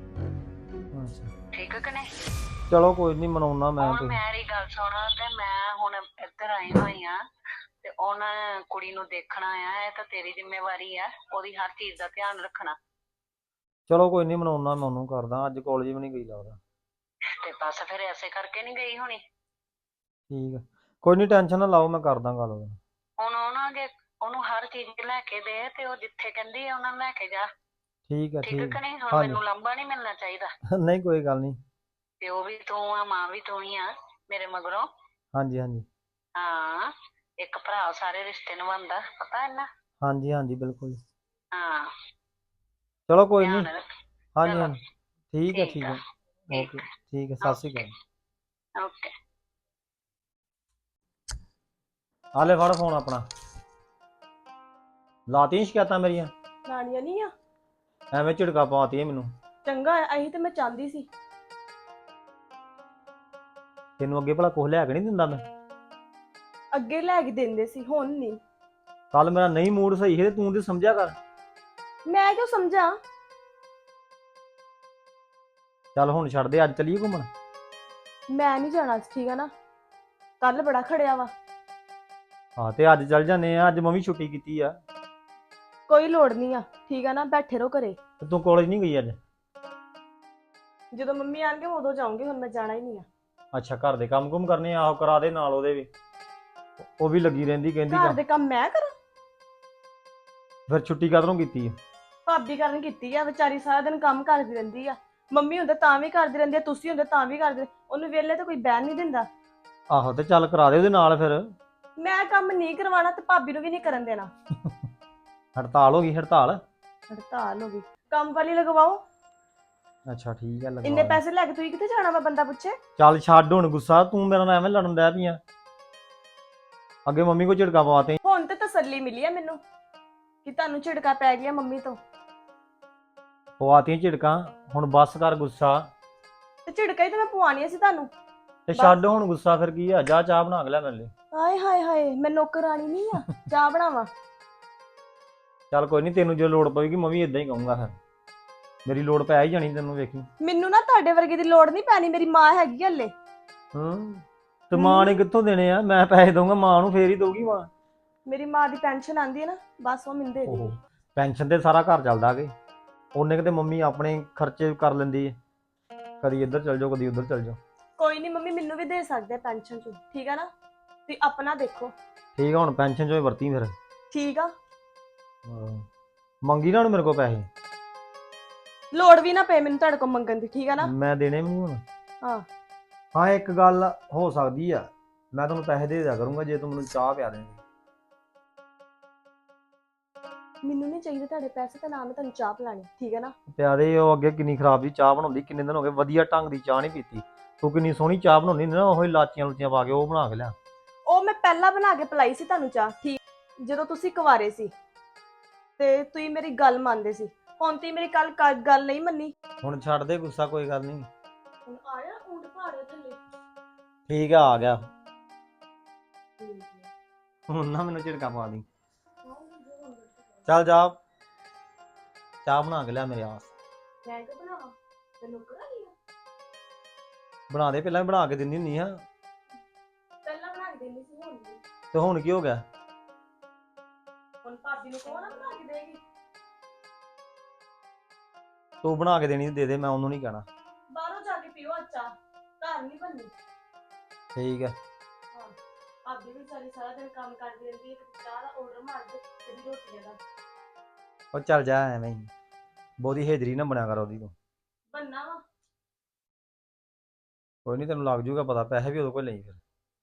S7: ਠੀਕ ਹੈ ਕਿ ਨਹੀਂ?
S6: ਚਲੋ ਕੋਈ ਨਹੀਂ, ਮਨਾਉਣਾ ਮੈਂ
S7: ਹੁਣ
S6: ਤੇ।
S7: ਮੇਰੀ ਗੱਲ ਸੁਣ, ਤੇ ਮੈਂ ਹੁਣ ਇੱਧਰ ਆਈ ਹੋਈ ਆ, ਤੇ ਉਹਨਾਂ ਕੁੜੀ ਨੂੰ ਦੇਖਣਾ ਆ। ਇਹ ਤਾਂ ਤੇਰੀ ਜ਼ਿੰਮੇਵਾਰੀ ਆ, ਉਹਦੀ ਹਰ ਚੀਜ਼ ਦਾ ਧਿਆਨ ਰੱਖਣਾ।
S6: ਚਲੋ ਕੋਈ ਨਹੀਂ, ਮਨਾਉਣਾ ਮੈਂ ਉਹਨੂੰ ਕਰਦਾ। ਅੱਜ ਕਾਲਜ ਵੀ ਨਹੀਂ ਗਈ ਲੱਗਦਾ।
S7: ਤੇ ਬਸ ਫਿਰ ਐਸੇ ਕਰਕੇ ਨਹੀਂ ਗਈ ਹੋਣੀ।
S6: ਠੀਕ ਹੈ, ਕੋਈ ਨਹੀਂ, ਟੈਨਸ਼ਨ ਨਾ ਲਾਓ, ਮੈਂ ਕਰਦਾ ਗੱਲ ਉਹਦੇ ਨਾਲ।
S7: ਹੁਣ ਉਹਨਾਂ ਦੇ ਉਹਨੂੰ ਹਰ ਚੀਜ਼ ਲੈ ਕੇ ਦੇ, ਤੇ ਉਹ ਜਿੱਥੇ ਕਹਿੰਦੀ ਆ ਉਹਨਾਂ ਨੂੰ ਲੈ ਕੇ ਜਾ।
S6: ਠੀਕ ਹੈ,
S7: ਠੀਕ ਹੈ
S6: ਠੀਕ
S7: ਕਿ ਨਹੀਂ? ਹੁਣ
S6: ਹਾਂਜੀ।
S7: ਮੈਨੂੰ ਲੰਬਾ ਨਹੀਂ ਮਿਲਣਾ ਚਾਹੀਦਾ।
S6: ਨਹੀਂ ਕੋਈ ਗੱਲ ਨਹੀਂ।
S7: ਪਿਓ ਵੀ ਤੂੰ ਆ, ਮਾਂ ਵੀ ਤੂੰ ਹੀ ਆ ਮੇਰੇ ਮਗਰੋਂ।
S6: ਹਾਂਜੀ ਹਾਂਜੀ
S7: ਹਾਂ, ਇੱਕ ਭਰਾ ਸਾਰੇ ਰਿਸ਼ਤੇ ਨਿਭਾਉਂਦਾ, ਪਤਾ ਹੈ ਨਾ?
S6: ਹਾਂਜੀ ਹਾਂਜੀ ਬਿਲਕੁਲ।
S7: ਹਾਂ,
S6: ਚਲੋ ਕੋਈ ਨਹੀਂ।
S7: ਧਿਆਨ ਰੱਖ।
S6: ਹਾਂਜੀ
S7: ਚਲੋ,
S6: ਹਾਂਜੀ ਠੀਕ ਹੈ,
S7: ਠੀਕ
S6: ਠੀਕ
S7: ਆ,
S6: ਹੈ, ਓਕੇ, ਠੀਕ ਹੈ, ਸਤਿ ਸ਼੍ਰੀ ਅਕਾਲ।
S7: ਓਕੇ।
S6: ਆ ਲੈ ਫੜ ਫੋਨ ਆਪਣਾ। ਲਾਤੀਆਂ ਸ਼ਿਕਾਇਤਾਂ ਮੇਰੀਆਂ?
S1: ਲਾਣੀਆਂ ਨਹੀਂ ਆ।
S6: ਐਵੇਂ ਝਿੜਕਾ ਪਾਤੀ ਮੈਨੂੰ।
S1: ਚੰਗਾ ਆ, ਇਹੀ ਤੇ ਮੈਂ ਚਾਹੁੰਦੀ ਸੀ।
S6: ਤੈਨੂੰ ਅੱਗੇ ਭਲਾ ਕੁਝ ਲੈ ਕੇ ਨਹੀਂ ਦਿੰਦਾ ਮੈਂ?
S1: ਅੱਗੇ ਲੈ ਕੇ ਦਿੰਦੇ ਸੀ, ਹੁਣ ਨਹੀਂ।
S6: ਕੱਲ ਮੇਰਾ ਨਹੀਂ ਮੂਡ ਸਹੀ ਹੈ ਤੇ ਤੂੰ ਤੇ ਸਮਝਿਆ ਕਰ।
S1: ਮੈਂ ਕਿਉਂ ਸਮਝਾਂ?
S6: ਚੱਲ ਹੁਣ ਛੱਡ ਦੇ, ਅੱਜ ਚੱਲੀਏ ਘੁੰਮਣ।
S1: ਮੈਂ ਨਹੀਂ ਜਾਣਾ, ਠੀਕ ਆ ਨਾ? ਕੱਲ ਬੜਾ ਖੜਿਆ ਵਾ।
S6: ਹਾਂ ਤੇ ਅੱਜ ਚੱਲ ਜਾਂਦੇ ਆ, ਅੱਜ ਮੈਂ ਵੀ ਛੁੱਟੀ ਕੀਤੀ ਆ।
S1: ਕੋਈ ਲੋੜ ਨਹੀਂ ਆ, ਠੀਕ ਆ ਨਾ? ਬੈਠੇ ਰਹੋ ਘਰੇ।
S6: ਤੇ ਤੂੰ ਕਾਲਜ ਨਹੀਂ ਗਈ ਅੱਜ?
S1: ਜਦੋਂ ਮੰਮੀ ਆਣਗੇ ਉਦੋਂ ਜਾਊਂਗੀ, ਹੁਣ ਮੈਂ ਜਾਣਾ ਹੀ ਨਹੀਂ ਆ।
S6: ਅੱਛਾ, ਘਰ ਦੇ ਕੰਮ ਕੁਮ ਕਰਨੇ ਆ? ਆਹੋ ਕਰਾ ਦੇ ਨਾਲ ਉਹਦੇ ਵੀ, ਉਹ ਵੀ ਲੱਗੀ ਰਹਿੰਦੀ ਕਹਿੰਦੀ
S1: ਘਰ
S6: ਕੰਮ।
S1: ਦੇ ਕੰਮ ਮੈਂ ਕਰਾਂ?
S6: ਫਿਰ ਛੁੱਟੀ ਕਦੋਂ ਕੀਤੀ ਆ?
S1: ਭਾਬੀ ਕਰਨ ਕੀਤੀ ਆ, ਵਿਚਾਰੀ ਸਾਰਾ ਦਿਨ ਕੰਮ ਕਰਦੀ ਰਹਿੰਦੀ ਆ। ਮੰਮੀ ਹੁੰਦੇ ਤਾਂ ਵੀ ਕਰਦੀ ਰਹਿੰਦੀ ਆ, ਤੁਸੀਂ ਹੁੰਦੇ ਤਾਂ ਵੀ ਕਰਦੇ। ਉਹਨੂੰ ਵਿਹਲੇ ਤੇ ਕੋਈ ਬਹਿਣ ਨਹੀਂ ਦਿੰਦਾ।
S6: ਆਹੋ ਤੇ ਚੱਲ ਕਰਾ ਦੇ ਉਹਦੇ ਨਾਲ ਫਿਰ।
S1: ਮੈਂ ਕੰਮ ਨਹੀਂ ਕਰਵਾਉਣਾ ਤੇ ਭਾਬੀ ਨੂੰ ਵੀ ਨਹੀਂ ਕਰਨ ਦੇਣਾ।
S6: ਹੜਤਾਲ ਹੋ ਗਈ? ਹੜਤਾਲ?
S1: ਹੜਤਾਲ ਹੋ ਗਈ? ਕੰਮ ਵਾਲੀ ਲਗਵਾਓ।
S6: ਅੱਛਾ ਠੀਕ ਹੈ, ਲਗਵਾ
S1: ਇੰਨੇ
S6: ਦੇ।
S1: ਪੈਸੇ ਲੈ ਕੇ ਤੁਸੀਂ ਕਿੱਥੇ ਜਾਣਾ ਵਾ, ਬੰਦਾ ਪੁੱਛੇ?
S6: ਚੱਲ ਛੱਡ ਹੁਣ ਗੁੱਸਾ, ਤੂੰ ਮੇਰੇ ਨਾਲ ਐਵੇਂ ਲੜਨ ਡੈ ਪਈ ਆ। ਅੱਗੇ ਮੰਮੀ ਕੋ ਝਿੜਕਾ ਪਵਾਤੇ।
S1: ਹੁਣ ਤੇ ਤਸੱਲੀ ਮਿਲੀ ਆ ਮੈਨੂੰ ਕਿ ਤੁਹਾਨੂੰ ਝਿੜਕਾ ਪੈ ਗਿਆ ਮੰਮੀ ਤੋਂ।
S6: ਪਵਾਤੀਆਂ ਝਿੜਕਾਂ, ਹੁਣ ਬੱਸ ਕਰ ਗੁੱਸਾ।
S1: ਤੇ ਝਿੜਕਾ ਹੀ ਤਾਂ ਮੈਂ ਪਵਾਉਣੀਆਂ ਸੀ ਤੁਹਾਨੂੰ।
S6: ਤੇ ਛੱਡ ਹੁਣ ਗੁੱਸਾ, ਫਿਰ ਕੀ ਆ? ਜਾ ਚਾਹ ਬਣਾ ਕੇ ਲੈ ਮੇਰੇ ਲਈ।
S1: ਹਾਏ ਹਾਏ ਹਾਏ, ਮੈਂ ਨੌਕਰਾਣੀ ਨਹੀਂ ਆ ਚਾਹ ਬਣਾਵਾਂ?
S6: ਚੱਲ ਕੋਈ ਨਹੀਂ, ਤੈਨੂੰ ਜੇ ਲੋੜ ਪਵੇਗੀ ਮੈਂ ਵੀ ਇਦਾਂ ਹੀ ਕਹੂੰਗਾ। ਫਿਰ ਮੇਰੀ ਲੋੜ ਪੈ ਹੀ ਜਾਣੀ ਤੈਨੂੰ, ਵੇਖੀ।
S1: ਮੈਨੂੰ ਨਾ ਤੁਹਾਡੇ ਵਰਗੇ ਦੀ ਲੋੜ ਨਹੀਂ ਪੈਣੀ, ਮੇਰੀ ਮਾਂ ਹੈਗੀ ਹਲੇ।
S6: ਹੂੰ, ਤੇ ਮਾਂ ਨੇ ਕਿੱਥੋਂ ਦੇਣੇ ਆ? ਮੈਂ ਪੈਸੇ ਦਊਂਗਾ ਮਾਂ ਨੂੰ, ਫੇਰ ਹੀ ਦਊਗੀ ਮਾਂ।
S1: ਮੇਰੀ ਮਾਂ ਦੀ ਪੈਨਸ਼ਨ ਆਂਦੀ ਹੈ ਨਾ, ਬਸ ਉਹ ਮੈਨੂੰ ਦੇ ਦੇ।
S6: ਓਹੋ, ਪੈਨਸ਼ਨ ਤੇ ਸਾਰਾ ਘਰ ਚੱਲਦਾ ਕਿ ਉਹਨੇ ਕਿਤੇ ਮੰਮੀ ਆਪਣੇ ਖਰਚੇ ਕਰ ਲੈਂਦੀ ਹੈ, ਕਦੀ ਇੱਧਰ ਚਲ ਜਾਓ, ਕਦੀ ਉੱਧਰ ਚਲ ਜਾਓ।
S1: ਕੋਈ ਨਹੀਂ, ਮੰਮੀ ਮੈਨੂੰ ਵੀ ਦੇ ਸਕਦੇ ਪੈਨਸ਼ਨ ਚ, ਠੀਕ ਆ ਨਾ? ਤੁਸੀਂ ਆਪਣਾ ਦੇਖੋ।
S6: ਠੀਕ ਆ, ਹੁਣ ਪੈਨਸ਼ਨ ਚੋਂ ਹੀ ਵਰਤੀ ਫਿਰ।
S1: ਠੀਕ ਆ,
S6: ਹਾਂ, ਮੰਗੀ ਨਾ ਹੁਣ ਮੇਰੇ ਕੋਲ ਪੈਸੇ।
S1: ਲੋੜ ਵੀ ਨਾ ਪਏ ਮੈਨੂੰ ਤੁਹਾਡੇ ਕੋਲ ਮੰਗਣ ਦੀ, ਠੀਕ ਆ ਨਾ?
S6: ਮੈਂ ਦੇਣੇ ਵੀ ਨਹੀਂ ਹੁਣ।
S1: ਹਾਂ।
S6: ਹਾਂ, ਇੱਕ ਗੱਲ ਹੋ ਸਕਦੀ ਆ, ਮੈਂ ਤੁਹਾਨੂੰ ਪੈਸੇ ਦੇ ਦਿਆ ਕਰੂੰਗਾ ਜੇ ਤੂੰ ਮੈਨੂੰ ਚਾਹ ਪਿਆ ਦੇਂਗੀ।
S1: ਮੈਨੂੰ ਨਹੀਂ ਚਾਹੀਦੇ ਤੁਹਾਡੇ ਪੈਸੇ, ਤੇ ਨਾ ਮੈਂ ਤੁਹਾਨੂੰ ਚਾਹ ਪਿਲਾਣੀ, ਠੀਕ ਹੈ ਨਾ?
S6: ਪਿਆ ਦੇ। ਉਹ ਅੱਗੇ ਕਿੰਨੀ ਖਰਾਬ ਦੀ ਚਾਹ ਬਣਾਉਂਦੀ, ਕਿੰਨੇ ਦਿਨ ਹੋ ਗਏ ਵਧੀਆ ਢੰਗ ਦੀ ਚਾਹ ਨਹੀਂ ਪੀਤੀ। ਤੂੰ ਕਿੰਨੀ ਸੋਹਣੀ ਚਾਹ ਬਣਾਉਂਦੀ ਨਾ, ਉਹ ਲਾਚੀਆਂ ਲੁਚੀਆਂ ਪਾ ਕੇ ਉਹ ਬਣਾ ਕੇ ਲਿਆ।
S1: ਉਹ ਮੈਂ ਪਹਿਲਾਂ ਬਣਾ ਕੇ ਪਿਲਾਈ ਸੀ ਤੁਹਾਨੂੰ ਚਾਹ, ਠੀਕ, ਜਦੋਂ ਤੁਸੀਂ ਕੁਆਰੇ ਸੀ ਤੇ ਤੁਸੀਂ ਮੇਰੀ ਗੱਲ ਮੰਨਦੇ ਸੀ। ਹੁਣ ਤੁਸੀਂ ਮੇਰੀ ਕੱਲ ਗੱਲ ਨਹੀਂ ਮੰਨੀ।
S6: ਹੁਣ ਛੱਡ ਦੇ ਗੁੱਸਾ, ਕੋਈ ਗੱਲ ਨਹੀਂ।
S1: ਹੁਣ ਆਇਆ ਊਂਟ ਪਹਾੜੇ ਥੱਲੇ।
S6: ਠੀਕ ਆ, ਆ ਗਿਆ। ਹੁਣ ਨਾ ਮੈਨੂੰ ਝਿੜਕਾ ਪਾ ਦੀ। ਚੱਲ ਜਾ, ਚਾਹ ਬਣਾ ਕੇ ਲਿਆ ਮੇਰੇ ਵਾਸਤੇ।
S1: ਮੈਂ ਕਿ ਬਣਾਵਾਂ? ਤੈਨੂੰ ਕਰਾਂਗੀ
S6: ਬਣਾ ਦੇ, ਪਹਿਲਾਂ ਵੀ ਬਣਾ ਕੇ ਦਿੰਦੀ ਹੁੰਦੀ ਆ।
S1: ਪਹਿਲਾਂ ਬਣਾ ਕੇ ਦੇਣੀ ਸੀ, ਹੁਣ ਨਹੀਂ।
S6: ਤੇ ਹੁਣ ਕੀ ਹੋ ਗਿਆ?
S1: ਹੁਣ ਭਾਬੀ ਨੂੰ ਕਹੋ ਨਾ ਬਣਾ ਕੇ ਦੇਗੀ।
S6: ਤੂੰ ਬਣਾ ਕੇ ਦੇਣੀ ਦੇ ਦੇ, ਮੈਂ ਉਹਨੂੰ ਨਹੀਂ ਕਹਿਣਾ।
S1: ਬਾਹਰੋਂ ਜਾ ਕੇ ਪੀਓ ਅੱਛਾ, ਘਰ ਨਹੀਂ ਬਣਨੀ।
S6: ਠੀਕ ਹੈ।
S1: ਹਾਂ, ਭਾਬੀ ਵੀ ਸਾਰੀ ਸਾਰਾ ਦਿਨ ਕੰਮ ਕਰਦੀ ਰਹਿੰਦੀ ਹੈ, ਕਦੀ ਚਾਹ ਦਾ ਆਰਡਰ ਮਾਰ ਦੇ, ਕਦੀ ਰੋਟੀਆਂ ਦਾ।
S6: ਉਹ ਚੱਲ ਜਾ, ਐਵੇਂ ਹੀ ਬਹੁਤੀ ਹੇਜਰੀ ਨਾ ਬਣਿਆ ਕਰ ਉਹਦੀ ਤੂੰ।
S1: ਬੰਨਾ ਵਾ।
S6: ਕੋਈ ਨਹੀਂ, ਤੈਨੂੰ ਲੱਗ ਜੂਗਾ ਪਤਾ, ਪੈਸੇ ਵੀ ਉਹਦੇ ਕੋਲ ਲਈ ਫਿਰ।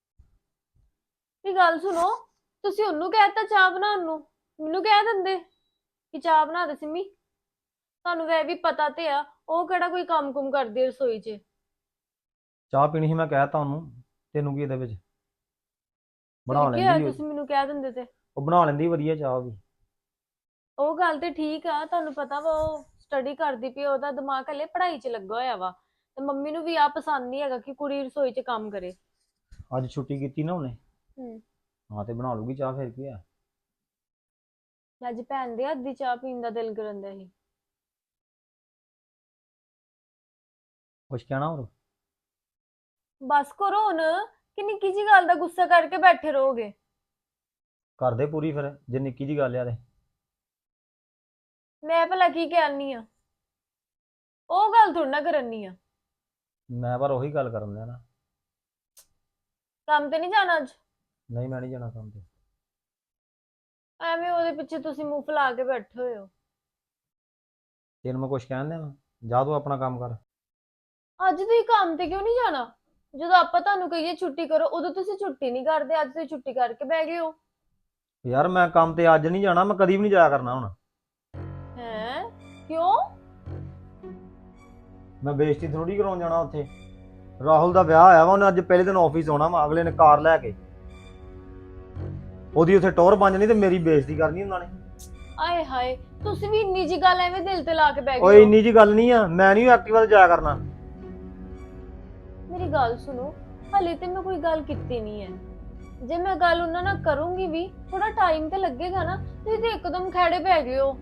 S2: ਇਹ ਗੱਲ ਸੁਣੋ, ਤੁਸੀਂ ਉਹਨੂੰ ਕਹਿਤਾ ਚਾਹ ਬਣਾਉਣ ਨੂੰ, ਮੈਨੂੰ ਕਹਿ ਦਿੰਦੇ ਕਿ ਚਾਹ ਬਣਾ ਦੇ ਸਿੰਮੀ। ਤੁਹਾਨੂੰ ਵੈ ਵੀ ਪਤਾ ਤੇ ਆ ਉਹ ਕਿਹੜਾ ਕੋਈ ਕੰਮ ਕੁਮ ਕਰਦੀ ਆ ਰਸੋਈ 'ਚ।
S6: ਚਾਹ ਪੀਣੀ ਸੀ, ਮੈਂ ਕਹਿਤਾ ਉਹਨੂੰ। ਤੈਨੂੰ ਕੀ ਇਹਦੇ ਵਿੱਚ? ਬਣਾ
S2: ਫਿਰ ਕੀ ਹੋਇਆ,
S6: ਲੈਂਦੀ
S2: ਤੁਸੀਂ ਮੈਨੂੰ ਕਹਿ ਦਿੰਦੇ ਤੇ।
S6: ਉਹ ਬਣਾ ਲੈਂਦੀ ਵਧੀਆ ਚਾਹ ਵੀ।
S2: ਉਹ ਗੱਲ ਤੇ ਠੀਕ ਆ, ਤੁਹਾਨੂੰ ਪਤਾ ਵਾ ਉਹ ਸਟੱਡੀ ਕਰਦੀ ਪਈ, ਉਹਦਾ ਦਿਮਾਗ ਹਲੇ ਪੜ੍ਹਾਈ 'ਚ ਲੱਗਾ ਹੋਇਆ ਵਾ। ਤੇ ਮੰਮੀ ਨੂੰ ਵੀ ਆ ਪਸੰਦ ਨਹੀਂ ਹੈਗਾ ਕਿ ਕੁੜੀ ਰਸੋਈ 'ਚ ਕੰਮ ਕਰੇ।
S6: ਅੱਜ ਛੁੱਟੀ ਕੀਤੀ ਨਾ ਉਹਨੇ।
S2: ਹੂੰ।
S6: ਹਾਂ ਤੇ ਬਣਾ ਲੂਗੀ ਚਾਹ, ਫਿਰ ਕੀ ਆ।
S2: ਅੱਜ ਭੈਣ ਦੇ ਹੱਥ ਦੀ ਚਾਹ ਪੀਣ ਦਾ ਦਿਲ ਕਰਨ ਦਾ ਸੀ।
S6: ਕੁਛ ਕਹਿਣਾ ਹੋਰ?
S2: ਬਸ ਕਰੋ ਹੁਣ, ਕਿ ਨਿੱਕੀ ਜੀ ਗੱਲ ਦਾ ਗੁੱਸਾ ਕਰਕੇ ਬੈਠੇ ਰਹੋਗੇ।
S6: ਕਰਦੇ ਪੂਰੀ ਫਿਰ, ਜੇ ਨਿੱਕੀ ਜੀ ਗੱਲ ਆ ਤੇ।
S2: ਮੈਂ ਭਲਾ ਕੀ ਕਹਿਣੀ ਆ? ਉਹ ਗੱਲ ਥੋੜੀ ਨਾ ਕਰਨੀ ਆ।
S6: ਮੈਂ ਪਰ ਉਹੀ ਗੱਲ ਕਰਨ ਦਿਆ ਨਾ।
S2: ਕੰਮ ਤੇ ਨਹੀਂ ਜਾਣਾ ਅੱਜ?
S6: ਨਹੀਂ ਮੈਂ ਨਹੀਂ ਜਾਣਾ ਕੰਮ ਤੇ।
S2: ਐਵੇਂ ਉਹਦੇ ਪਿੱਛੇ ਤੁਸੀਂ ਮੂੰਹ ਫੁਲਾ ਕੇ ਬੈਠੇ ਹੋਏ ਹੋ।
S6: ਤੈਨੂੰ ਮੈਂ ਕੁਛ ਕਹਿਣ ਦਿਆਂ? ਜਾ ਤੂੰ ਆਪਣਾ ਕੰਮ ਕਰ।
S2: ਅੱਜ ਤੁਸੀਂ ਕੰਮ ਤੇ ਕਿਉਂ ਨਹੀਂ ਜਾਣਾ? ਜਦੋਂ ਆਪਾਂ ਤੁਹਾਨੂੰ ਕਹੀਏ ਛੁੱਟੀ ਕਰੋ ਉਦੋਂ ਤੁਸੀਂ ਛੁੱਟੀ ਨਹੀਂ ਕਰਦੇ, ਅੱਜ ਤੁਸੀਂ ਛੁੱਟੀ ਕਰਕੇ ਬਹਿ ਗਏ ਹੋ।
S6: ਯਾਰ ਮੈਂ ਕੰਮ ਤੇ ਅੱਜ ਨਹੀਂ ਜਾਣਾ, ਮੈਂ ਕਦੀ ਵੀ ਨਹੀਂ ਜਾਇਆ ਕਰਨਾ ਹੁਣ।
S2: ਹੈਂ? ਕਿਉਂ?
S6: ਮੈਂ ਬੇਇੱਜ਼ਤੀ ਥੋੜੀ ਕਰਾਉਣ ਜਾਣਾ ਉੱਥੇ। ਰਾਹੁਲ ਦਾ ਵਿਆਹ ਆਇਆ ਵਾ, ਉਹਨੇ ਅੱਜ ਪਹਿਲੇ ਦਿਨ ਆਫਿਸ ਆਉਣਾ ਵਾ, ਅਗਲੇ ਨੇ ਕਾਰ ਲੈ ਕੇ। ਉਹਦੀ ਉੱਥੇ ਟੌਰ ਬਣ ਜਾਣੀ ਤੇ ਮੇਰੀ ਬੇਇੱਜ਼ਤੀ ਕਰਨੀ ਉਹਨਾਂ ਨੇ।
S2: ਆਏ ਹਾਏ, ਤੁਸੀਂ ਵੀ ਇੰਨੀ ਜੀ ਗੱਲ ਐਵੇਂ ਦਿਲ ਤੇ ਲਾ ਕੇ ਬਹਿ
S6: ਓਏ
S2: ਗਏ ਹੋ।
S6: ਇੰਨੀ ਜੀ ਗੱਲ ਨਹੀਂ ਆ, ਮੈਂ ਨਹੀਂ ਐਕਟਿਵਾ ਤੇ ਜਾਇਆ ਕਰਨਾ।
S2: ਮੇਰੀ ਗੱਲ ਸੁਣੋ, ਹਲੇ ਤੇ ਮੈਂ ਕੋਈ ਗੱਲ ਕੀਤੀ ਨਹੀਂ ਹੈ। ਜੇ ਮੈਂ ਗੱਲ ਉਹਨਾਂ ਨਾਲ ਕਰੂੰਗੀ ਵੀ, ਥੋੜਾ ਟਾਈਮ ਤੇ ਲੱਗੇਗਾ ਨਾ। ਤੁਸੀਂ ਤੇ ਇੱਕਦਮ ਖੜੇ ਪੈ ਗਏ ਹੋ।